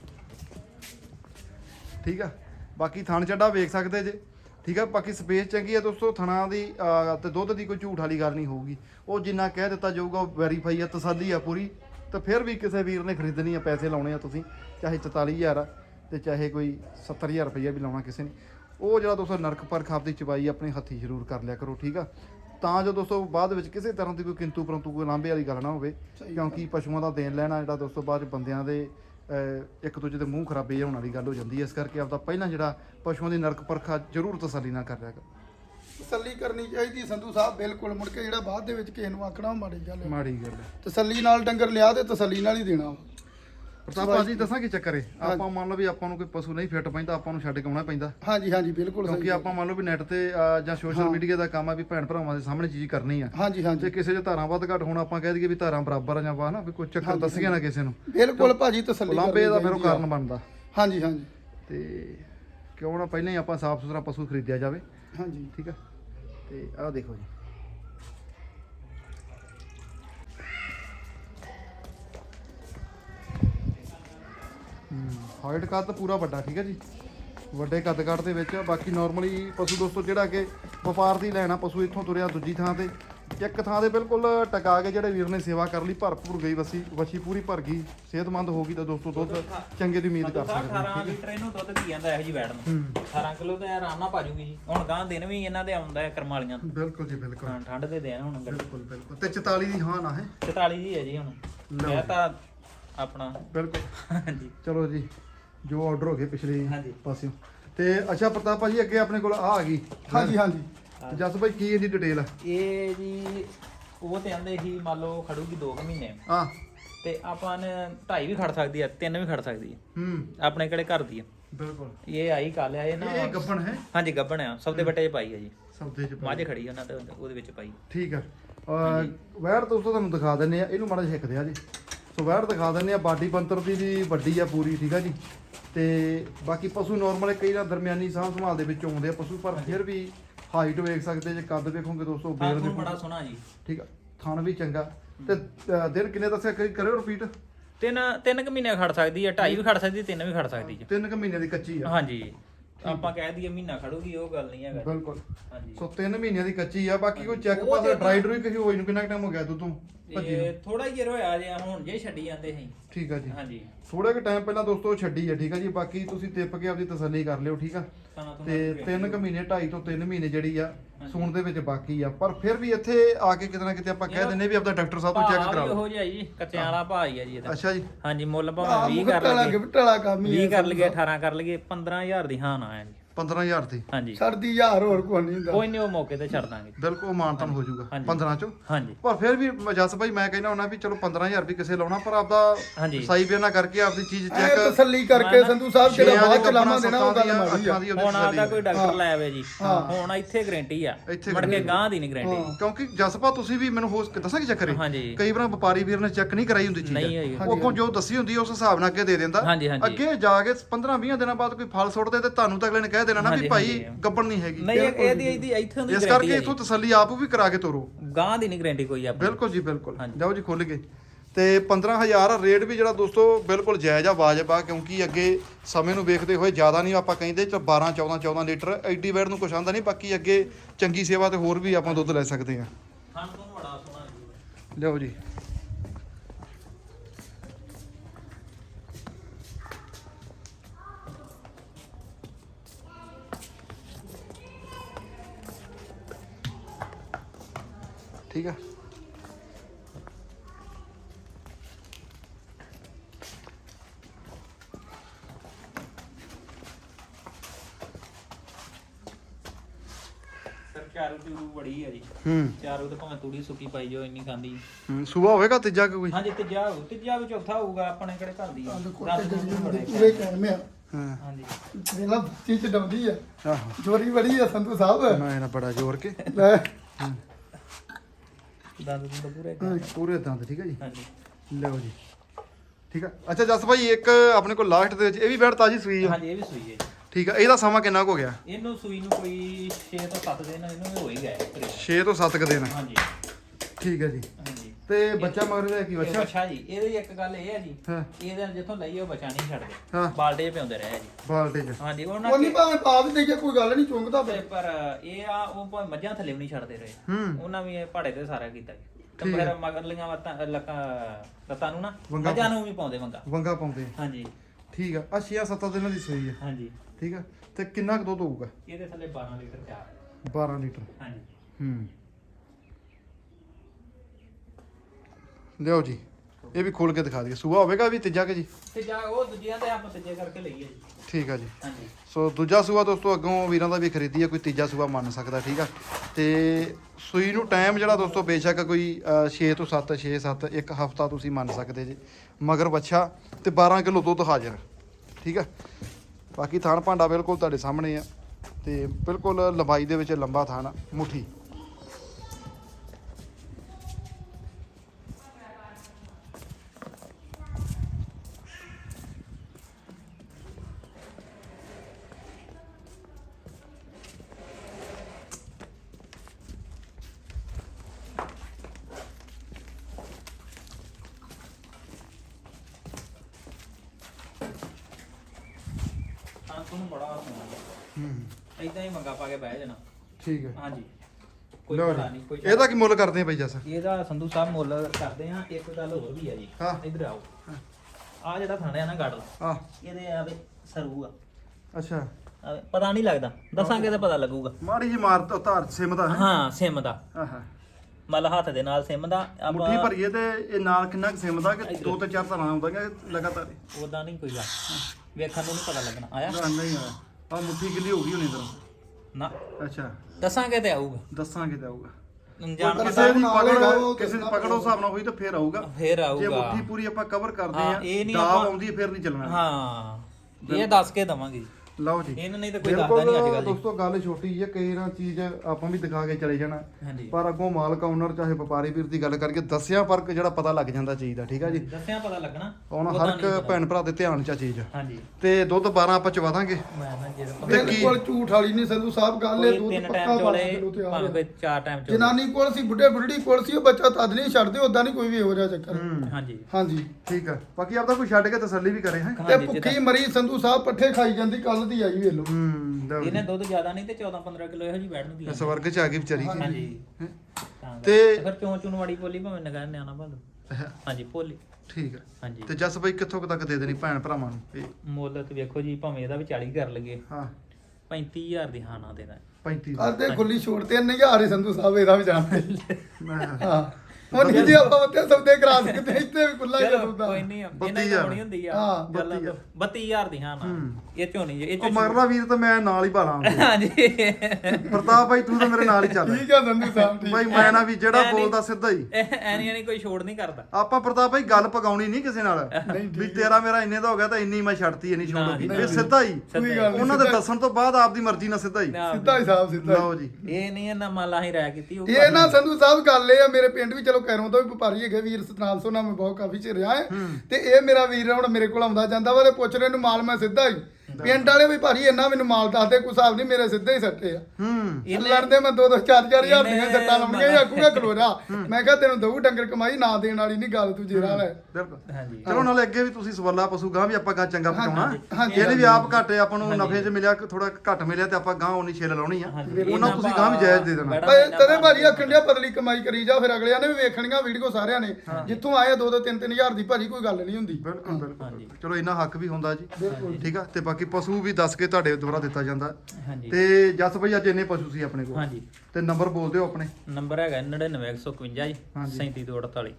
Speaker 1: ਠੀਕ ਆ, ਬਾਕੀ ਥਣ ਚੱਡਾ ਵੇਖ ਸਕਦੇ ਜੇ। ਠੀਕ ਆ, ਬਾਕੀ ਸਪੇਸ ਚੰਗੀ ਆ ਦੋਸਤੋ ਥਣਾ ਦੀ। ਅਹ, ਤੇ ਦੁੱਧ ਦੀ ਕੋਈ ਝੂਠ ਵਾਲੀ ਗੱਲ ਨਹੀਂ ਹੋਊਗੀ। ਉਹ ਜਿੰਨਾ ਕਹਿ ਦਿੱਤਾ ਜਾਊਗਾ ਉਹ ਵੈਰੀਫਾਈ ਆ, ਤਸੱਲੀ ਆ ਪੂਰੀ। ਤਾਂ ਫਿਰ ਵੀ ਕਿਸੇ ਵੀਰ ਨੇ ਖਰੀਦਣੀ ਆ, ਪੈਸੇ ਲਾਉਣੇ ਆ ਤੁਸੀਂ, ਚਾਹੇ ਚੁਤਾਲੀ ਹਜ਼ਾਰ ਆ ਤੇ ਚਾਹੇ ਕੋਈ ਸੱਤਰ ਹਜ਼ਾਰ ਰੁਪਈਆ ਵੀ ਲਾਉਣਾ ਕਿਸੇ ਨੇ, ਉਹ ਜਿਹੜਾ ਦੋਸਤੋ ਨਰਕ ਪਰਖ ਆਪਦੀ ਚਵਾਈ ਆਪਣੇ ਹੱਥੀਂ ਜ਼ਰੂਰ ਕਰ ਲਿਆ ਕਰੋ। ਠੀਕ ਆ, ਤਾਂ ਜੋ ਦੋਸਤੋ ਬਾਅਦ ਵਿੱਚ ਕਿਸੇ ਤਰ੍ਹਾਂ ਦੀ ਕੋਈ ਕਿੰਤੂ ਪਰੰਤੂ ਕੋਈ ਲਾਂਭੇ ਵਾਲੀ ਗੱਲ ਨਾ ਹੋਵੇ। ਕਿਉਂਕਿ ਪਸ਼ੂਆਂ ਦਾ ਦੇਣ ਲੈਣਾ ਜਿਹੜਾ ਦੋਸਤੋ ਬਾਅਦ 'ਚ ਬੰਦਿਆਂ ਦੇ ਅਹ, ਇੱਕ ਦੂਜੇ ਦੇ ਮੂੰਹ ਖਰਾਬੇ ਹੋਣ ਵਾਲੀ ਗੱਲ ਹੋ ਜਾਂਦੀ ਹੈ। ਇਸ ਕਰਕੇ ਆਪਦਾ ਪਹਿਲਾਂ ਜਿਹੜਾ ਪਸ਼ੂਆਂ ਦੀ ਨਰਕ ਪਰਖਾ ਜ਼ਰੂਰ ਤਸੱਲੀ ਨਾਲ ਕਰ ਲਿਆ ਕਰੋ।
Speaker 3: ਤਸੱਲੀ ਕਰਨੀ ਚਾਹੀਦੀ ਸੰਧੂ ਸਾਹਿਬ, ਬਿਲਕੁਲ। ਮੁੜ ਕੇ ਜਿਹੜਾ ਬਾਅਦ ਦੇ ਵਿੱਚ ਕਿਸੇ ਨੂੰ ਆਖਣਾ ਉਹ ਮਾੜੀ ਗੱਲ ਹੈ।
Speaker 1: ਮਾੜੀ ਗੱਲ ਹੈ।
Speaker 3: ਤਸੱਲੀ ਨਾਲ ਡੰਗਰ ਲਿਆ ਤੇ ਤਸੱਲੀ ਨਾਲ ਹੀ ਦੇਣਾ।
Speaker 1: ਪ੍ਰਤਾਪ ਭਾਜੀ ਦੱਸਾਂ ਕੀ ਚੱਕਰ ਹੈ, ਆਪਾਂ ਮੰਨ ਲਓ ਵੀ ਆਪਾਂ ਨੂੰ ਕੋਈ ਪਸ਼ੂ ਨਹੀਂ ਫਿੱਟ ਪੈਂਦਾ, ਆਪਾਂ ਨੂੰ ਛੱਡ ਕੇ ਆਉਣਾ ਪੈਂਦਾ।
Speaker 3: ਹਾਂਜੀ ਹਾਂਜੀ, ਬਿਲਕੁਲ ਸਹੀ।
Speaker 1: ਕਿਉਂਕਿ ਆਪਾਂ ਮੰਨ ਲਓ ਵੀ ਨੈਟ ਤੇ ਅਹ, ਜਾਂ ਸੋਸ਼ਲ ਮੀਡੀਆ ਦਾ ਕੰਮ ਆ ਵੀ ਭੈਣ ਭਰਾਵਾਂ ਦੇ ਸਾਹਮਣੇ ਚੀਜ਼ ਕਰਨੀ ਆ।
Speaker 3: ਹਾਂਜੀ ਹਾਂਜੀ,
Speaker 1: ਜੇ ਕਿਸੇ 'ਚ ਧਾਰਾਂ ਵੱਧ ਘੱਟ ਹੋਣ ਆਪਾਂ ਕਹਿ ਦਈਏ ਵੀ ਧਾਰਾਂ ਬਰਾਬਰ ਆ ਜਾਂ ਵਾ ਨਾ, ਵੀ ਕੋਈ ਚੱਕਰ ਦੱਸੀਏ ਨਾ ਕਿਸੇ ਨੂੰ।
Speaker 3: ਬਿਲਕੁਲ ਭਾਜੀ, ਤਸੱਲੀ
Speaker 1: ਲਾਂਭੇ ਦਾ ਫਿਰ ਉਹ ਕਾਰਨ ਬਣਦਾ।
Speaker 3: ਹਾਂਜੀ ਹਾਂਜੀ,
Speaker 1: ਤੇ ਕਿਉਂ ਨਾ ਪਹਿਲਾਂ ਹੀ ਆਪਾਂ ਸਾਫ਼ ਸੁਥਰਾ ਪਸ਼ੂ ਖਰੀਦਿਆ ਜਾਵੇ।
Speaker 3: ਹਾਂਜੀ।
Speaker 1: ਠੀਕ ਆ, ਤੇ ਆਹ ਦੇਖੋ ਜੀ, ਹੂੰ ਹਾਈਟ ਕੱਦ ਪੂਰਾ ਵੱਡਾ। ਠੀਕ ਹੈ ਜੀ, ਵੱਡੇ ਕੱਦ ਕੱਦ ਦੇ ਵਿੱਚ ਆ। ਬਾਕੀ ਨਾਰਮਲੀ ਪਸ਼ੂ ਦੋਸਤੋ ਜਿਹੜਾ ਕਿ ਵਪਾਰ ਦੀ ਲੈਣਾ ਪਸ਼ੂ ਇੱਥੋਂ ਤੁਰਿਆ ਦੂਜੀ ਥਾਂ ਤੇ ਇੱਕ ਥਾਂ ਦੇ ਬਿਲਕੁਲ ਟਕਾ ਕੇ ਜਿਹੜੇ ਵੀਰ ਨੇ ਸੇਵਾ ਕਰ ਲਈ ਭਰਪੂਰ ਗਈ ਵਸੀ ਵਛੀ ਪੂਰੀ ਭਰ ਗਈ ਸਿਹਤਮੰਦ ਹੋ ਗਈ ਤਾਂ ਦੋਸਤੋ ਦੁੱਧ ਚੰਗੇ ਦੀ ਉਮੀਦ ਕਰ ਸਕਦੇ ਹਾਂ।
Speaker 2: ਅਠਾਰਾਂ ਲੀਟਰ ਇਹਨੂੰ ਦੁੱਧ ਕੀ ਜਾਂਦਾ ਇਹੋ ਜੀ ਵੈੜ ਨੂੰ ਅਠਾਰਾਂ ਕਿਲੋ ਤੇ ਆਰਾਮ ਨਾਲ ਪਾ ਜੂਗੀ ਜੀ। ਹੁਣ ਗਾਂ ਦਿਨ ਵੀ ਇਹਨਾਂ ਦੇ ਆਉਂਦਾ ਹੈ ਕਰਮਾਲੀਆਂ ਤੋਂ।
Speaker 1: ਬਿਲਕੁਲ ਜੀ ਬਿਲਕੁਲ
Speaker 2: ਹਾਂ ਠੰਡ ਦੇ ਦਿਨ ਹੁਣ ਗੱਡੀ
Speaker 1: ਬਿਲਕੁਲ ਬਿਲਕੁਲ ਤੇ ਚੁਤਾਲੀ ਦੀ ਹਾਂ ਨਾ ਹੈ
Speaker 2: ਚੁਤਾਲੀ ਜੀ ਹੈ ਜੀ ਹੁਣ ਮੈਂ ਤਾਂ ਆਪਣਾ
Speaker 1: ਬਿਲਕੁਲ।
Speaker 2: ਹਾਂਜੀ
Speaker 1: ਚਲੋ ਜੀ ਜੋ ਆਰਡਰ ਹੋ ਗਏ ਪਿਛਲੇ
Speaker 2: ਹਾਂਜੀ।
Speaker 1: ਪਾਸਿਓਂ ਤੇ ਅੱਛਾ ਪ੍ਰਤਾਪ ਭਾਜੀ ਅੱਗੇ ਆਪਣੇ ਕੋਲ ਆ ਆ ਗਈ
Speaker 3: ਹਾਂਜੀ ਹਾਂਜੀ
Speaker 1: ਤੇ ਜਸ ਭਾਈ ਕੀ ਇਹਦੀ ਡਿਟੇਲ ਆ
Speaker 2: ਇਹ ਜੀ ਉਹ ਤੇ ਆਂਦੇ ਸੀ ਮੰਨ ਲਓ ਖੜੂਗੀ ਦੋ ਕੁ ਮਹੀਨੇ
Speaker 1: ਆ
Speaker 2: ਤੇ ਆਪਾਂ ਨੇ ਢਾਈ ਵੀ ਖੜ ਸਕਦੀ ਆ ਤਿੰਨ ਵੀ ਖੜ ਸਕਦੀ ਆ
Speaker 1: ਹੂੰ
Speaker 2: ਆਪਣੇ ਕਿਹੜੇ ਘਰ ਦੀ ਆ।
Speaker 1: ਬਿਲਕੁਲ
Speaker 2: ਇਹ ਆਈ ਕੱਲ ਆ ਇਹ ਨਾ
Speaker 1: ਇਹ ਗੱਬਣ ਹੈ
Speaker 2: ਹਾਂਜੀ ਗੱਬਣ ਆ ਸਭ ਦੇ ਬੱਟੇ 'ਚ ਪਾਈ ਆ ਜੀ
Speaker 1: ਸਬਦੇ ਚ
Speaker 2: ਮਾਝੇ ਖੜੀ ਉਹਨਾਂ ਦੇ ਉਹਦੇ ਵਿੱਚ ਪਾਈ।
Speaker 1: ਠੀਕ ਆ ਵੈੜ ਦੋਸਤੋ ਤੁਹਾਨੂੰ ਦਿਖਾ ਦਿੰਨੇ ਆ ਇਹਨੂੰ ਮਾੜਾ ਜਿਹਾ ਹਿੱਕਦੇ ਆ ਜੀ। ਸੋ ਵੈੜ ਦਿਖਾ ਦਿੰਨੇ ਆ ਬਾਡੀ ਬੰਤਰ ਦੀ ਵੀ ਵੱਡੀ ਆ ਪੂਰੀ ਠੀਕ ਆ ਜੀ। ਤੇ ਬਾਕੀ ਪਸ਼ੂ ਨਾਰਮਲ ਕਈ ਨਾ ਦਰਮਿਆਨੀ ਸਾਂਭ ਸੰਭਾਲ ਦੇ ਵਿੱਚ ਆਉਂਦੇ ਆ ਪਸ਼ੂ ਪਰ ਫਿਰ ਵੀ ਹਾਈਟ ਵੇਖ ਸਕਦੇ ਜੇ ਕੱਦ ਵੇਖੋਗੇ ਦੋਸਤੋ
Speaker 2: ਹਾਂ
Speaker 1: ਬੇਲ
Speaker 2: ਤੁਹਾਨੂੰ
Speaker 1: ਦੇਖੋ
Speaker 2: ਬੜਾ ਸੋਹਣਾ ਜੀ।
Speaker 1: ਠੀਕ ਆ ਥਣ ਵੀ ਚੰਗਾ ਤੇ ਅ, ਦਿਨ ਕਿੰਨੇ ਦੱਸਿਆ ਕਰੀ ਕਰਿਓ ਰਿਪੀਟ
Speaker 2: ਤਿੰਨ ਤਿੰਨ ਕੁ ਮਹੀਨੇ ਖੜ ਸਕਦੀ ਆ ਢਾਈ ਵੀ ਖੜ ਸਕਦੀ ਤਿੰਨ ਵੀ ਖੜ ਸਕਦੀ ਜੀ।
Speaker 1: ਤਿੰਨ ਕੁ ਮਹੀਨੇ ਦੀ ਕੱਚੀ ਆ
Speaker 2: ਹਾਂਜੀ ਆਪਾਂ ਕਹਿ ਦਈਏ ਮਹੀਨਾ ਖੜੂਗੀ ਉਹ ਗੱਲ ਨਹੀਂ ਹੈਗਾ ਜੀ।
Speaker 1: ਬਿਲਕੁਲ
Speaker 2: ਹਾਂਜੀ
Speaker 1: ਸੋ ਤਿੰਨ ਮਹੀਨਿਆਂ ਦੀ ਕੱਚੀ ਆ ਬਾਕੀ ਕੋਈ ਚੈੱਕ
Speaker 2: ਉਹ
Speaker 1: ਪਾਸ
Speaker 2: ਤੇ
Speaker 1: ਡਰਾਈ ਡਰੂਈ ਕਿਸੇ ਹੋਈ ਨੂੰ ਕਿੰਨਾ ਟਾਈਮ ਹੋ ਗਿਆ ਤੂੰ ਤੂੰ ਭੱਜੀ ਨੂੰ
Speaker 2: ਇਹ ਥੋੜਾ ਹੀ ਚਿਰ ਹੋਇਆ ਜੇ ਹੁਣ ਜੇ ਛੱਡੀ ਜਾਂਦੇ ਸੀ।
Speaker 1: ਠੀਕ ਆ ਜੀ
Speaker 2: ਹਾਂਜੀ
Speaker 1: ਥੋੜਾ ਕਿ ਟਾਈਮ ਪਹਿਲਾਂ ਦੋਸਤੋ ਛੱਡੀ ਆ ਠੀਕ ਆ ਜੀ ਬਾਕੀ ਤੁਸੀਂ ਟਿਪ ਕੇ ਆਪਦੀ ਤਸੱਲੀ ਕਰ ਲਿਓ ਠੀਕ ਆ
Speaker 2: ਤਾਂ ਤੁਹਾਨੂੰ
Speaker 1: ਤੇ ਤਿੰਨ ਕੁ ਮਹੀਨੇ ਢਾਈ ਤੋਂ ਤਿੰਨ ਮਹੀਨੇ ਜਿਹੜੀ ਆ ਸੂਣ ਦੇ ਵਿੱਚ ਬਾਕੀ ਆ ਪਰ ਫਿਰ ਵੀ ਇੱਥੇ ਆ ਕੇ ਕਿਤੇ ਨਾ ਕਿਤੇ ਆਪਾਂ ਕਹਿ ਦਿੰਨੇ ਵੀ ਆਪਦਾ ਡਾਕਟਰ ਸਾਹਿਬ ਤੋਂ ਚੈੱਕ ਕਰਾ ਲਓ।
Speaker 2: ਹੋ ਜਾਈ ਜੀ ਕੱਚਿਆਂ ਵਾਲਾ ਭਾਅ ਹੀ ਆ ਜੀ ਇਹਦਾ।
Speaker 1: ਅੱਛਾ ਜੀ
Speaker 2: ਹਾਂਜੀ ਮੁੱਲ ਭਾਵੇਂ ਵੀਹ ਕਰ
Speaker 3: ਮੁਕਟਾਲਾ
Speaker 2: ਲਈਏ
Speaker 3: ਗਿਫਟ ਵਾਲਾ ਕੰਮ ਹੀ
Speaker 2: ਵੀਹ ਕਰ ਲਈਏ ਅਠਾਰਾਂ ਕਰ ਲਈਏ ਪੰਦਰਾਂ ਹਜ਼ਾਰ ਦੀ ਹਾਂ ਨਾ ਆ ਜੀ।
Speaker 1: ਪੰਦਰਾਂ ਹਜ਼ਾਰ ਦੀ
Speaker 2: ਹਾਂਜੀ
Speaker 3: ਸਰਦੀ ਹਜ਼ਾਰ ਹੋਰ ਕੋਈ ਨਹੀਂ ਹੁੰਦਾ
Speaker 2: ਕੋਈ ਨਹੀਂ ਉਹ ਮੌਕੇ ਤੇ ਛੱਡ ਦਾਂਗੇ।
Speaker 1: ਬਿਲਕੁਲ ਮਾਨਤਨ ਹੋ ਜਾਊਗਾ
Speaker 2: ਹਾਂਜੀ।
Speaker 1: ਪੰਦਰਾਂ ਚੋਂ
Speaker 2: ਹਾਂਜੀ
Speaker 1: ਪਰ ਫਿਰ ਵੀ ਜਸ ਭਾਈ ਮੈਂ ਕਹਿੰਦਾ ਹੁੰਦਾ ਵੀ ਚਲੋ ਪੰਦਰਾਂ ਹਜ਼ਾਰ ਵੀ ਕਿਸੇ ਲਾਉਣਾ ਪਰ ਆਪਦਾ
Speaker 2: ਹਾਂਜੀ
Speaker 1: ਸਾਈ ਬਿਆਨਾ ਕਰਕੇ ਆਪਦੀ ਚੀਜ਼
Speaker 3: ਐ
Speaker 1: ਚੈੱਕ
Speaker 3: ਤਸੱਲੀ ਕਰਕੇ ਸੰਧੂ ਸਾਹਿਬ ਜਿਹੜਾ ਬਾਅਦ ਚ ਲਾਵਾਂ ਦੇਣਾ ਉਹ ਗੱਲ ਮਾੜੀ ਆ
Speaker 2: ਹੁਣ ਆਦਾ ਕੋਈ ਡਾਕਟਰ ਲੈ ਆਵੇ ਜੀ ਹੁਣ ਇੱਥੇ ਗਾਰੰਟੀ ਆ
Speaker 1: ਇੱਥੇ
Speaker 2: ਮੜ ਕੇ ਗਾਂ ਦੀ ਨਹੀਂ ਗਾਰੰਟੀ।
Speaker 1: ਕਿਉਂਕਿ ਜਸਪਾ ਤੁਸੀਂ ਵੀ ਮੈਨੂੰ ਹੋਸ ਦੱਸਾਂ ਕੀ ਚੱਕਰ ਹੈ
Speaker 2: ਹਾਂਜੀ
Speaker 1: ਕਈ ਵਾਰ ਵਪਾਰੀ ਵੀਰ ਨੇ ਚੈੱਕ ਨਹੀਂ ਕਰਾਈ ਹੁੰਦੀ ਚੀਜ਼
Speaker 2: ਨਹੀਂ ਹੋਈ
Speaker 1: ਉਹ ਕੋ ਜੋ ਦੱਸੀ ਹੁੰਦੀ ਹੈ ਉਸ ਹਿਸਾਬ ਨਾਲ ਅੱਗੇ ਦੇ ਦਿੰਦਾ
Speaker 2: ਹਾਂਜੀ ਹਾਂਜੀ
Speaker 1: ਅੱਗੇ ਜਾ ਕੇ ਪੰਦਰਾਂ ਵੀਹ ਦਿਨਾਂ ਬਾਅਦ ਕੋਈ ਫਲ ਸੁੱਟਦੇ ਤੇ ਤੁਹਾਨੂੰ ਤਾਂ ਅਗਲੇ ਨੇ ਕਹਿ ਦੇਣਾ ਨਾ ਵੀ
Speaker 2: ਹਾਂਜੀ,
Speaker 1: ਭਾਈ
Speaker 2: ਹਾਂਜੀ।
Speaker 1: ਗੱਬਣ ਨਹੀਂ ਹੈਗੀ
Speaker 2: ਨਹੀਂ ਇਹ- ਇਹਦੀ ਇਹਦੀ ਇੱਥੋਂ ਦੀ
Speaker 1: ਇਸ
Speaker 2: ਗਾਰੰਟੀ
Speaker 1: ਕਰਕੇ
Speaker 2: ਹੈ
Speaker 1: ਇਥੋਂ ਤਸੱਲੀ ਆਪ ਵੀ ਕਰਾ ਕੇ ਤੋਰੋ।
Speaker 2: ਗਾਂ ਦੀ ਨਹੀਂ ਗਾਰੰਟੀ ਕੋਈ ਆਪਣੀ।
Speaker 1: ਬਿਲਕੁਲ ਜੀ ਬਿਲਕੁਲ
Speaker 2: ਹਾਂਜੀ।
Speaker 1: ਜਾਓ ਜੀ ਖੁੱਲ ਗਏ ਤੇ ਪੰਦਰਾਂ ਹਜ਼ਾਰ ਰੇਟ ਵੀ ਜਿਹੜਾ ਦੋਸਤੋ ਬਿਲਕੁਲ ਜਾਇਜ਼ ਆ ਵਾਜਬ ਆ ਕਿਉਂਕਿ ਅੱਗੇ ਸਮੇਂ ਨੂੰ ਵੇਖਦੇ ਹੋਏ ਜ਼ਿਆਦਾ ਨਹੀਂ ਆਪਾਂ ਕਹਿੰਦੇ ਚ ਬਾਰਾਂ ਚੌਦਾਂ ਚੌਦਾਂ ਲੀਟਰ ਐਡੀ ਵੈੜ ਨੂੰ ਕੁਛ ਆਂਦਾ ਨਹੀਂ ਬਾਕੀ ਅੱਗੇ ਚੰਗੀ ਸੇਵਾ ਤੇ ਹੋਰ ਵੀ ਆਪਾਂ ਦੁੱਧ ਲੈ ਸਕਦੇ ਆ।
Speaker 2: ਖਾਣ ਤੋਂ ਬੜਾ ਸੋਹਣਾ ਜੀ।
Speaker 1: ਲਿਓ ਜੀ ਠੀਕ ਆ
Speaker 2: ਸਰ ਚਾਰੂ ਚੂਰੂ ਬੜੀ ਆ ਜੀ।
Speaker 1: ਹੂੰ
Speaker 2: ਚਾਰੂ ਤੇ ਭਾਵੇਂ ਤੂੜੀ ਸੁੱਕੀ ਪਾਈ ਜੋ ਇੰਨੀ ਖਾਂਦੀ।
Speaker 1: ਹੂੰ ਸੂਆ ਹੋਵੇਗਾ ਤੀਜਾ ਕਿ ਕੋਈ
Speaker 2: ਹਾਂਜੀ ਤੀਜਾ ਹੋਊ ਤੀਜਾ ਵੀ ਚੌਥਾ ਹੋਊਗਾ ਆਪਣੇ ਕਿਹੜੇ ਘਰ ਦੀ ਆ।
Speaker 3: ਦੇਖੋ
Speaker 2: ਦਸ ਦੂਣ ਬੜੇ।
Speaker 3: ਪੂਰੇ ਕਹਿਮੇ ਆ
Speaker 1: ਹਾਂ
Speaker 2: ਹਾਂਜੀ
Speaker 3: ਵੇਲਾ ਚੀਜ਼ ਡੰਦੀ ਆ
Speaker 1: ਆਹੋ
Speaker 3: ਜੋਰੀ ਬੜੀ ਆ ਸੰਧੂ ਸਾਹਿਬ
Speaker 1: ਮੈਂ ਇਹਨਾਂ ਬੜਾ ਜ਼ੋਰ ਕੇ
Speaker 3: ਲੈ
Speaker 2: ਦੰਦ ਦੁੰਦ ਪੂਰੇ
Speaker 1: ਪੂਰੇ ਦੰਦ ਠੀਕ ਹੈ ਜੀ
Speaker 2: ਹਾਂਜੀ
Speaker 1: ਲਓ ਜੀ ਠੀਕ ਆ ਅੱਛਾ ਜਸ ਭਾਈ ਇੱਕ ਆਪਣੇ ਕੋਲ ਲਾਸਟ ਦੇ ਵਿੱਚ ਇਹ ਵੀ ਵੈੜ ਤਾਜੀ ਸੂਈ ਆ
Speaker 2: ਹਾਂਜੀ ਇਹ ਵੀ ਸੂਈ ਹੈ ਜੀ।
Speaker 1: ਠੀਕ ਆ ਇਹਦਾ ਸਮਾਂ ਕਿੰਨਾ ਕੁ ਹੋ ਗਿਆ
Speaker 2: ਇਹਨੂੰ ਸੂਈ ਨੂੰ ਕੋਈ ਛੇ ਤੋਂ ਸੱਤ ਦਿਨ ਇਹਨੂੰ ਵੀ ਹੋ ਹੀ ਗਏ ਕਰੀਬ।
Speaker 1: ਛੇ ਤੋਂ ਸੱਤ ਕ ਦਿਨ
Speaker 2: ਹਾਂਜੀ
Speaker 1: ਠੀਕ ਹੈ ਜੀ
Speaker 2: ਹਾਂਜੀ
Speaker 1: ਤੇ ਬੱਚਾ ਮਗਰ ਦਾ ਕੀ
Speaker 2: ਇਹ
Speaker 1: ਬੱਚਾ
Speaker 2: ਬੱਚਾ ਜੀ ਇਹਦੀ ਇੱਕ ਗੱਲ ਇਹ ਹੈ ਜੀ
Speaker 1: ਹਾਂ
Speaker 2: ਇਹਦੇ ਜਿੱਥੋਂ ਲਈ ਉਹ ਬੱਚਾ ਨਹੀਂ ਛੱਡਦੇ
Speaker 1: ਹਾਂ
Speaker 2: ਬਾਲਟੇ 'ਚ ਪਿਆਉਂਦੇ ਰਹੇ ਜੀ।
Speaker 1: ਬਾਲਟੇ ਚ
Speaker 2: ਹਾਂਜੀ
Speaker 3: ਉਹ
Speaker 2: ਉਹਨਾਂ
Speaker 3: ਨਹੀਂ ਭਾਵੇਂ ਪਾ ਵੀ ਦੇਈਏ ਕੋਈ ਗੱਲ ਨਹੀਂ ਚੁੰਗਦਾ
Speaker 2: ਤੇ ਪਰ ਇਹ ਆ ਉਹ ਭਾਵੇਂ ਮੱਝਾਂ ਥੱਲੇ ਵੀ ਨਹੀਂ ਛੱਡਦੇ ਰਹੇ।
Speaker 1: ਹੂੰ
Speaker 2: ਉਹਨਾਂ ਵੀ ਇਹ ਪਹਾੜੇ ਤੇ ਸਾਰਾ ਕੀਤਾ ਜੀ। ਤੇ
Speaker 1: ਠੀਕ
Speaker 2: ਫਿਰ ਮਗਰਲੀਆਂ ਵਤਾਂ ਲੱਕਾਂ ਲੱਤਾਂ ਨੂੰ ਨਾ
Speaker 1: ਵੰਗਾਂ
Speaker 2: ਮੱਝਾਂ ਨੂੰ ਵੀ ਪਾਉਂਦੇ ਵੰਗਾ।
Speaker 1: ਵੰਗਾ ਪਾਉਂਦੇ ਆ।
Speaker 2: ਹਾਂਜੀ
Speaker 1: ਠੀਕ ਆ ਆ ਛੇ ਸੱਤ ਦਿਨਾਂ ਦੀ ਸੂਈ ਆ
Speaker 2: ਹਾਂਜੀ
Speaker 1: ਠੀਕ ਆ ਤੇ ਕਿੰਨਾ ਕੁ ਦੁੱਧ ਹੋਊਗਾ
Speaker 2: ਇਹਦੇ ਥੱਲੇ ਬਾਰਾਂ ਲੀਟਰ ਤਿਆਰ।
Speaker 1: ਬਾਰਾਂ ਲੀਟਰ
Speaker 2: ਹਾਂਜੀ
Speaker 1: ਹੂੰ ਲਿਓ ਜੀ ਇਹ ਵੀ ਖੋਲ ਕੇ ਦਿਖਾ ਦਈਏ ਸੂਆ ਹੋਵੇਗਾ ਵੀ ਤੀਜਾ ਕਿ ਜੀ
Speaker 2: ਤੇ ਜਾ ਉਹ ਦੂਜਿਆਂ ਤੇ ਆਪਾਂ ਤੀਜੇ ਕਰਕੇ ਲਈਏ ਜੀ।
Speaker 1: ਠੀਕ ਆ ਜੀ
Speaker 2: ਹਾਂਜੀ
Speaker 1: ਸੋ ਦੂਜਾ ਸੂਆ ਦੋਸਤੋ ਅੱਗੋਂ ਵੀਰਾਂ ਦਾ ਵੀ ਖਰੀਦੀ ਆ ਕੋਈ ਤੀਜਾ ਸੂਆ ਮੰਨ ਸਕਦਾ ਠੀਕ ਆ ਤੇ ਸੂਈ ਨੂੰ ਟਾਈਮ ਜਿਹੜਾ ਦੋਸਤੋ ਬੇਸ਼ੱਕ ਕੋਈ ਛੇ ਤੋਂ ਸੱਤ ਛੇ ਸੱਤ ਇੱਕ ਹਫਤਾ ਤੁਸੀਂ ਮੰਨ ਸਕਦੇ ਜੀ ਮਗਰ ਬੱਚਾ ਤੇ ਬਾਰਾਂ ਕਿਲੋ ਦੁੱਧ ਹਾਜ਼ਰ ਠੀਕ ਆ ਬਾਕੀ ਥਣ ਭਾਂਡਾ ਬਿਲਕੁਲ ਤੁਹਾਡੇ ਸਾਹਮਣੇ ਆ ਤੇ ਬਿਲਕੁਲ ਲੰਬਾਈ ਦੇ ਵਿੱਚ ਲੰਬਾ ਥਣ ਆ, ਮੁੱਠੀ
Speaker 2: ਹਾਂ ਤੁਹਾਨੂੰ ਬੜਾ ਸੋਹਣਾ
Speaker 1: ਹੂੰ
Speaker 2: ਇਦਾਂ ਹੀ ਮੰਗਾ ਪਾ ਕੇ ਬਹਿ ਜਾਣਾ
Speaker 1: ਠੀਕ ਹੈ
Speaker 2: ਹਾਂਜੀ ਕੋਈ
Speaker 1: ਲਓ
Speaker 2: ਪਤਾ ਨਹੀਂ ਕੋਈ
Speaker 1: ਜੀ ਇਹਦਾ ਕੀ ਮੁੱਲ ਕਰਦੇ ਆ ਬਾਈ ਜੱਸ
Speaker 2: ਇਹਦਾ ਸੰਧੂ ਸਾਹਿਬ ਮੁੱਲ ਕਰਦੇ ਆ ਇੱਕ ਗੱਲ ਹੋਰ ਵੀ ਆ ਜੀ
Speaker 1: ਹਾਂ।
Speaker 2: ਇਧਰ ਆਓ ਆ ਜਿਹੜਾ ਥਾਣਾ ਆ ਨਾ ਗਾੜਲ
Speaker 1: ਆ
Speaker 2: ਇਹਦੇ ਆਵੇ ਸਰੂ ਆ
Speaker 1: ਅੱਛਾ
Speaker 2: ਆਵੇ, ਪਤਾ ਨਹੀਂ ਲੱਗਦਾ ਦੱਸਾਂਗੇ ਤਾਂ ਪਤਾ ਲੱਗੂਗਾ
Speaker 1: ਮਾੜੀ ਜੀ ਮਾਰ ਤਾ ਧਾਰ ਸਿਮ ਦਾ ਹੈ
Speaker 2: ਹਾਂ ਸਿਮ ਦਾ
Speaker 1: ਆਹਾ
Speaker 2: ਮੱਲ ਹੱਥ ਦੇ ਨਾਲ ਸਿਮ ਦਾ
Speaker 1: ਮੁੱਠੀ ਭਰੀਏ ਤੇ ਇਹ ਨਾਲ ਕਿੰਨਾ ਕੁ ਸਿਮ ਦਾ ਕਿ ਦੋ ਤੇ ਚਾਰ ਧਾਰਾਂ ਆਉਂਦਾ ਕਿ ਲਗਾਤਾਰ ਹੀ?
Speaker 2: ਉਦਾਂ ਨਹੀਂ ਕੋਈ ਗੱਲ ਵੇਖਣ ਨੂੰ ਨਹੀਂ ਪਤਾ ਲੱਗਣਾ ਆਇਆ
Speaker 1: ਨਾ ਨਹੀਂ ਆ ਆ ਮੁੱਠੀ ਕਿੱਲੀ ਹੋ ਗਈ ਹੋਣੀ ਇਧਰ
Speaker 2: ਨਾ
Speaker 1: ਅੱਛਾ
Speaker 2: ਦੱਸਾਂਗੇ ਤੇ ਆਊਗਾ
Speaker 1: ਦੱਸਾਂਗੇ ਤੇ ਆਊਗਾ
Speaker 2: ਜਾਣ
Speaker 1: ਕਿਸੇ ਦੀ
Speaker 3: ਨਾਲ ਹੋਏਗਾ,
Speaker 1: ਪਕੜ
Speaker 3: ਉਹ
Speaker 1: ਕਿਸੇ ਦੀ
Speaker 3: ਦੱਸਣਾ
Speaker 1: ਪਕੜ ਉਸ ਹਿਸਾਬ ਨਾਲ ਹੋਈ ਤਾਂ ਫੇਰ ਆਊਗਾ
Speaker 2: ਫੇਰ
Speaker 1: ਜੇ
Speaker 2: ਆਊਗਾ
Speaker 1: ਮੁੱਠੀ ਪੂਰੀ ਆਪਾਂ ਕਵਰ ਕਰਦੇ
Speaker 2: ਹਾਂ,
Speaker 1: ਆ
Speaker 2: ਇਹ ਨਹੀਂ
Speaker 1: ਡਾਬ
Speaker 2: ਆਪਾਂ-
Speaker 1: ਆਉਂਦੀ ਹੈ ਫੇਰ ਨਹੀਂ ਚੱਲਣਾ
Speaker 2: ਹਾਂ ਇਹ ਦੱਸ ਕੇ ਦਵਾਂਗੇ
Speaker 1: ਲਓ ਜੀ
Speaker 2: ਇਹਨਾਂ ਨਹੀਂ ਤਾਂ ਕੋਈ ਦੱਸਦਾ ਨਹੀਂ ਅੱਜ ਕੱਲ ਜੀ
Speaker 1: ਦੋਸਤੋ ਗੱਲ ਛੋਟੀ ਜਿਹੀ ਹੈ ਕਈ ਨਾ ਚੀਜ਼ ਆਪਾਂ ਵੀ ਦਿਖਾ ਕੇ ਚਲੇ ਜਾਣਾ
Speaker 2: ਹਾਂਜੀ
Speaker 1: ਪਰ ਅੱਗੋਂ ਮਾਲਕ ਓਨਰ ਚਾਹੇ ਵਪਾਰੀ ਵੀਰ ਦੀ ਗੱਲ ਕਰਕੇ ਦੱਸਿਆ ਫਰਕ ਜਿਹੜਾ ਪਤਾ ਲੱਗ ਜਾਂਦਾ ਚੀਜ਼ ਦਾ ਠੀਕ ਆ ਜੀ
Speaker 2: ਦੱਸਿਆ ਪਤਾ ਲੱਗਣਾ
Speaker 1: ਹੁਣ
Speaker 2: ਉਦਾਂ
Speaker 1: ਹਰ
Speaker 2: ਨਹੀਂ
Speaker 1: ਇੱਕ
Speaker 2: ਪਤਾ।
Speaker 1: ਭੈਣ ਭਰਾ ਦੇ ਧਿਆਨ ਚ ਆ ਚੀਜ਼
Speaker 2: ਹਾਂਜੀ
Speaker 1: ਤੇ ਦੁੱਧ ਬਾਰਾਂ ਆਪਾਂ ਚਵਾ ਦਾਂਗੇ
Speaker 2: ਮੈਂ ਨਾ ਜੇ
Speaker 3: ਬਿਲਕੁਲ ਝੂਠ ਵਾਲੀ ਨਹੀਂ ਸੰਧੂ ਸਾਹਿਬ ਗੱਲ ਇਹ
Speaker 2: ਕੋਈ
Speaker 3: ਦੁੱਧ
Speaker 2: ਤਿੰਨ
Speaker 3: ਪੱਕਾ
Speaker 2: ਟਾਈਮ
Speaker 3: ਬਾਰਾਂ
Speaker 2: ਚੋਲੇ
Speaker 3: ਕਿਲੋ ਤੇ ਆ
Speaker 2: ਭਾਵੇਂ
Speaker 3: ਰਿਹਾ।
Speaker 2: ਕੋਈ ਚਾਰ ਟਾਈਮ ਚੋਲੇ
Speaker 3: ਜਨਾਨੀ ਕੋਲ ਸੀ ਬੁੱਢੇ ਬੁੱਢੜੀ ਕੋਲ ਸੀ ਉਹ ਬੱਚਾ ਤਦ ਨਹੀਂ ਛੱਡਦੇ ਉਦਾਂ ਨਹੀਂ ਕੋਈ ਵੀ ਹੋ ਰਿਹਾ ਚੱਕਰ
Speaker 1: ਹੂੰ
Speaker 2: ਹਾਂਜੀ
Speaker 3: ਹਾਂਜੀ
Speaker 1: ਠੀਕ ਆ ਬਾਕੀ ਆਪਦਾ ਕੋਈ ਛੱਡ ਕੇ ਤਸੱਲੀ ਵੀ ਕਰੇ ਹੈ
Speaker 3: ਤੇ
Speaker 2: ਹਾਂਜੀ,
Speaker 3: ਭੁੱਖੀ ਮਰੀ ਸੰਧੂ ਸਾਹਿਬ ਪੱਠੇ ਖਾਈ ਜਾਂਦੀ ਕੱਲ ਦੀ ਆਈ ਵੇਲੋ
Speaker 1: ਹੂੰ ਲਓ ਜੀ।
Speaker 2: ਇਹਨੇ ਦੁੱਧ ਜ਼ਿਆਦਾ ਨਹੀਂ ਤੇ ਚੌਦਾਂ ਪੰਦਰਾਂ ਕਿਲੋ ਇਹੋ ਜੀ ਬੈਠਣ ਦੀ
Speaker 1: ਇਸ ਵਰਗ ਚ ਆ ਗਈ ਵਿਚਾਰੀ ਜੀ
Speaker 2: ਹਾਂਜੀ
Speaker 1: ਹੈਂ?
Speaker 2: ਤਾਂ ਕਰਕੇ।
Speaker 1: ਤੇ-
Speaker 2: ਤੇ ਫਿਰ ਚੋਂ ਚੂਨ ਵਾਲੀ ਪੋਲੀ ਭਾਵੇਂ ਨਗਾਹ ਨਿਆਣਾ ਭਾਲੋ ਹਾਂਜੀ ਪੋਲੀ
Speaker 1: ਠੀਕ ਆ
Speaker 2: ਹਾਂਜੀ
Speaker 1: ਤੇ ਜਸ ਬਾਈ ਕਿੱਥੋਂ ਕੁ ਤੱਕ ਦੇ ਦੇਣੀ ਭੈਣ ਭਰਾਵਾਂ ਨੂੰ ਇਹ
Speaker 2: ਮੁੱਲ ਤੇ ਵੇਖੋ ਜੀ ਭਾਵੇਂ ਇਹਦਾ ਵੀ ਚਾਲੀ ਕਰ ਲਗੇ
Speaker 1: ਹਾਂ
Speaker 2: ਪੈਂਤੀ ਹਜ਼ਾਰ ਦੀ ਹਾਂ ਨਾ ਦੇਣਾ
Speaker 1: ਪੈਂਤੀ
Speaker 3: ਕਰਦੇ ਖੁੱਲੀ ਛੋੜ ਤੇ ਹਜ਼ਾਰ ਹੀ ਸੰਧੂ ਸਾਹਿਬ ਇਹਦਾ ਵੀ ਜਾਣਦੇ
Speaker 1: ਮੈਂ
Speaker 3: ਹਾਂ ਉਹ ਨਹੀਂ ਜੀ ਆਪਾਂ ਉੱਤੇ ਸੌਦੇ ਕਰਾ ਸਕਦੇ ਹਾਂ, ਇੱਥੇ ਵੀ ਖੁੱਲਾ ਹੀ
Speaker 2: ਚਲੋ
Speaker 3: ਸੌਦਾ
Speaker 2: ਕੋਈ ਨਹੀਂ
Speaker 1: ਬੱਤੀ
Speaker 2: ਇਹਨਾਂ ਦੀ
Speaker 1: ਹਜ਼ਾਰ।
Speaker 2: ਹੋਣੀ ਹੁੰਦੀ ਆ
Speaker 3: ਹਾਂ,
Speaker 2: ਚੱਲ
Speaker 1: ਬੱਤੀ ਹਜ਼ਾਰ।
Speaker 2: ਬੱਤੀ ਹਜ਼ਾਰ ਦੀ ਹਾਂ ਨਾ ਇਹ ਚੋਂ ਨਹੀਂ ਇਹ
Speaker 1: ਉਹ
Speaker 2: ਚੋਂ
Speaker 1: ਮਰਲਾ ਵੀਰ ਤਾਂ ਮੈਂ ਨਾਲ ਹੀ ਭਾਲਾਂ
Speaker 2: ਹਾਂਜੀ
Speaker 1: ਪ੍ਰਤਾਪ ਭਾਈ ਤੂੰ ਤਾਂ ਮੇਰੇ ਨਾਲ ਹੀ ਚੱਲ
Speaker 3: ਠੀਕ ਆ ਸੰਧੂ ਸਾਹਿਬ ਠੀਕ
Speaker 1: ਭਾਈ ਮੈਂ ਨਾ ਵੀ ਜਿਹੜਾ
Speaker 2: ਐ ਨੀ-
Speaker 1: ਬੋਲਦਾ ਸਿੱਧਾ ਹੀ
Speaker 2: ਐਨੀ ਐਨੀ ਕੋਈ ਛੋੜ ਨਹੀਂ ਕਰਦਾ
Speaker 1: ਆਪਾਂ ਪ੍ਰਤਾਪ ਭਾਈ ਗੱਲ ਪਕਾਉਣੀ ਨਹੀਂ ਕਿਸੇ ਨਾਲ
Speaker 3: ਨਹੀਂ,
Speaker 1: ਵੀ ਤੇਰਾ ਮੇਰਾ ਇੰਨੇ ਦਾ ਹੋ ਗਿਆ ਤਾਂ ਇੰਨੀ ਮੈਂ ਛੱਡਤੀ ਇੰਨੀ ਛੋੜ
Speaker 2: ਨਾ,
Speaker 1: ਹੋ ਗਈ
Speaker 2: ਨਹੀਂ,
Speaker 1: ਇਹ ਸਿੱਧਾ ਹੀ
Speaker 3: ਕੋਈ ਗੱਲ ਨਹੀਂ
Speaker 1: ਉਹਨਾਂ ਦੇ ਦੱਸਣ ਤੋਂ ਬਾਅਦ ਆਪਦੀ ਮਰਜ਼ੀ ਨਾਲ ਸਿੱਧਾ ਹੀ
Speaker 2: ਨਾ,
Speaker 3: ਸਿੱਧਾ ਹੀ ਸਾਹਿਬ ਸਿੱਧਾ ਹੀ।
Speaker 1: ਲਓ ਜੀ
Speaker 2: ਇਹ ਨਹੀਂ ਇਹਨਾਂ ਮਾਲਾ ਹੀ ਰਾਇ ਕੀਤੀ ਉਹ
Speaker 3: ਇਹ ਨਾ ਸੰਧੂ ਸਾਹਿਬ ਗੱਲ ਇਹ ਆ ਮੇਰੇ ਪਿੰਡ ਵੀ ਚਲੋ ਕੈਰੋਂ ਤੋਂ ਵੀ ਵਪਾਰੀ ਹੈਗੇ ਵੀਰ ਸਤਨਾਮ ਸੋਨਾ ਮੈਂ ਬਹੁਤ ਕਾਫੀ ਚਿਰ ਰਿਹਾ ਹੈ ਤੇ ਇਹ ਮੇਰਾ ਵੀਰ ਹੁਣ ਮੇਰੇ ਕੋਲ ਆਉਂਦਾ ਜਾਂਦਾ ਵਾ ਤੇ ਪੁੱਛ ਰਹੇ ਨੂੰ ਮਾਲ ਮੈਂ ਸਿੱਧਾ ਹੀ ਪਿੰਡ ਵਾਲੇ ਵੀ ਭਾਰੀ ਇੰਨਾ ਮੈਨੂੰ ਮਾਲ ਦੱਸਦੇ ਕੋਈ ਹਿਸਾਬ ਨਹੀਂ ਮੇਰੇ ਸਿੱਧੇ ਹੀ ਸੱਟੇ ਆ
Speaker 1: ਹੂੰ
Speaker 2: ਇਹਨੇ-
Speaker 3: ਲੜਦੇ ਮੈਂ ਦੋ ਦੋ ਚਾਰ ਚਾਰ ਹਜ਼ਾਰ ਦੀਆਂ
Speaker 2: ਇਹਨੇ
Speaker 3: ਸੱਟਾਂ ਲਾਉਣੀਆਂ ਹੀ ਆਖੂਗਾ ਖਲੋਰਾ ਮੈਂ ਕਿਹਾ ਤੈਨੂੰ ਦਊ ਡੰਗਰ ਕਮਾਈ ਨਾ ਦੇਣ ਵਾਲੀ ਨਹੀਂ ਗੱਲ ਤੂੰ ਜੇਰਾ ਲੈ
Speaker 1: ਬਿਲਕੁਲ
Speaker 2: ਹਾਂਜੀ
Speaker 1: ਚਲੋ ਨਾਲੇ ਅੱਗੇ ਵੀ ਤੁਸੀਂ ਸਵਾਲਾ ਪਸ਼ੂ ਗਾਂ ਵੀ ਆਪਾਂ ਗਾਂ ਚੰਗਾ ਪਕਾਉਣਾ
Speaker 3: ਹਾਂਜੀ,
Speaker 1: ਇਹਦੇ ਵੀ ਆਪ ਘਾਟੇ ਆਪਾਂ ਨੂੰ ਨਫੇ 'ਚ ਮਿਲਿਆ ਥੋੜਾ ਘੱਟ ਮਿਲਿਆ ਤੇ ਆਪਾਂ ਗਾਂ ਉਨੀ ਛੇਲ ਲਾਉਣੀ ਆ
Speaker 2: ਹਾਂਜੀ,
Speaker 1: ਉਹਨਾਂ ਤੁਸੀਂ ਗਾਂ ਵੀ ਜਾਇਜ਼ ਦੇ ਦੇਣਾ
Speaker 2: ਬੜਾ
Speaker 3: ਭਾਈ
Speaker 2: ਇਹਨਾਂ
Speaker 3: ਤਦੇ
Speaker 2: ਭਾਅ
Speaker 3: ਭਾਜੀ ਆਖਣ ਡਿਆ ਪਤਲੀ ਕਮਾਈ ਕਰੀ ਜਾ ਫਿਰ ਅਗਲਿਆਂ ਨੇ ਵੀ ਵੇਖਣੀਆਂ ਵੀਡੀਓ ਸਾਰਿਆਂ ਨੇ ਜਿੱਥੋਂ ਆਏ ਦੋ ਦੋ ਤਿੰਨ ਤਿੰਨ ਹਜ਼ਾਰ ਦੀ ਭਾਜੀ ਕੋਈ ਗੱਲ ਨਹੀਂ ਹੁੰਦੀ
Speaker 1: ਬਿਲਕੁਲ ਬਿਲਕੁਲ
Speaker 2: ਹਾਂਜੀ।
Speaker 1: ਚਲੋ ਇੰਨਾ ਹੱਕ ਵੀ ਹੁੰਦਾ ਜੀ
Speaker 3: ਬਿਲਕੁਲ।
Speaker 1: ਠੀਕ ਆ ਤੇ ਬਾਕੀ ਪਸ਼ੂ ਵੀ ਦੱਸ ਕੇ ਤੁਹਾਡੇ ਦੁਆਰਾ ਦਿੱਤਾ ਜਾਂਦਾ
Speaker 2: ਹਾਂਜੀ
Speaker 1: ਤੇ ਜਸ ਭਾਈ ਅੱਜ ਇੰਨੇ ਪਸ਼ੂ ਸੀ ਆਪਣੇ ਕੋਲ
Speaker 2: ਹਾਂਜੀ
Speaker 1: ਤੇ ਨੰਬਰ ਬੋਲ ਦਿਓ ਆਪਣੇ
Speaker 2: ਨੰਬਰ ਹੈਗਾ ਨੜਿਨਵੇਂ ਇੱਕ ਸੌ ਇਕਵੰਜਾ ਜੀ
Speaker 1: ਹਾਂਜੀ।
Speaker 2: ਸੈਂਤੀ ਦੋ ਅੜਤਾਲੀ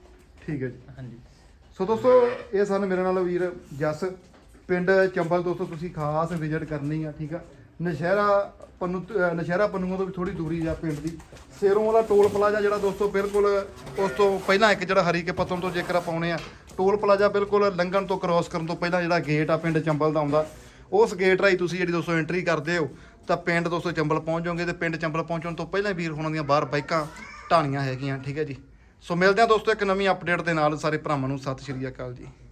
Speaker 1: ਠੀਕ ਹੈ ਜੀ
Speaker 2: ਹਾਂਜੀ
Speaker 1: ਸੋ ਦੋਸਤੋ ਇਹ ਸਨ ਮੇਰੇ ਨਾਲ ਵੀਰ ਜਸ ਪਿੰਡ ਚੰਬਲ ਦੋਸਤੋ ਤੁਸੀਂ ਖਾਸ ਵਿਜ਼ਿਟ ਕਰਨੀ ਆ ਠੀਕ ਆ ਨਸ਼ਹਿਰਾ ਪੰਨੂ ਅਹ ਨਸ਼ਹਿਰਾ ਪੰਨੂਆਂ ਤੋਂ ਵੀ ਥੋੜੀ ਦੂਰੀ ਆ ਪਿੰਡ ਦੀ ਸੇਰੋਂ ਵਾਲਾ ਟੋਲ ਪਲਾਜ਼ਾ ਜਿਹੜਾ ਦੋਸਤੋ ਬਿਲਕੁਲ ਉਸ ਤੋਂ ਪਹਿਲਾਂ ਇੱਕ ਜਿਹੜਾ ਹਰੀਕੇ ਪੱਤਨ ਤੋਂ ਜੇਕਰ ਆਪਾਂ ਆਉਣੇ ਆ ਟੋਲ ਪਲਾਜ਼ਾ ਬਿਲਕੁਲ ਲੰਘਣ ਤੋਂ ਕ੍ਰਾਸ ਕਰਨ ਤੋਂ ਪਹਿਲਾਂ ਜਿਹੜਾ ਗੇਟ ਆ ਪਿੰਡ ਚੰਬਲ ਦਾ ਆਉਂਦਾ ਉਸ ਗੇਟ ਰਾਹੀਂ ਤੁਸੀਂ ਜਿਹੜੀ ਦੋਸਤੋ ਐਂਟਰੀ ਕਰਦੇ ਹੋ ਤਾਂ ਪਿੰਡ ਦੋਸਤੋ ਚੰਬਲ ਪਹੁੰਚ ਜਾਓਗੇ ਤੇ ਪਿੰਡ ਚੰਬਲ ਪਹੁੰਚਣ ਤੋਂ ਪਹਿਲਾਂ ਵੀਰ ਹੋਣਾ ਦੀਆਂ ਬਾਹਰ ਬਾਈਕਾਂ ਢਾਣੀਆਂ ਹੈਗੀਆਂ ਠੀਕ ਹੈ ਜੀ ਸੋ ਮਿਲਦੇ ਆ ਦੋਸਤੋ ਇੱਕ ਨਵੀਂ ਅਪਡੇਟ ਦੇ ਨਾਲ ਸਾਰੇ ਭਰਾਵਾਂ ਨੂੰ ਸਤਿ ਸ਼੍ਰੀ ਅਕਾਲ ਜੀ।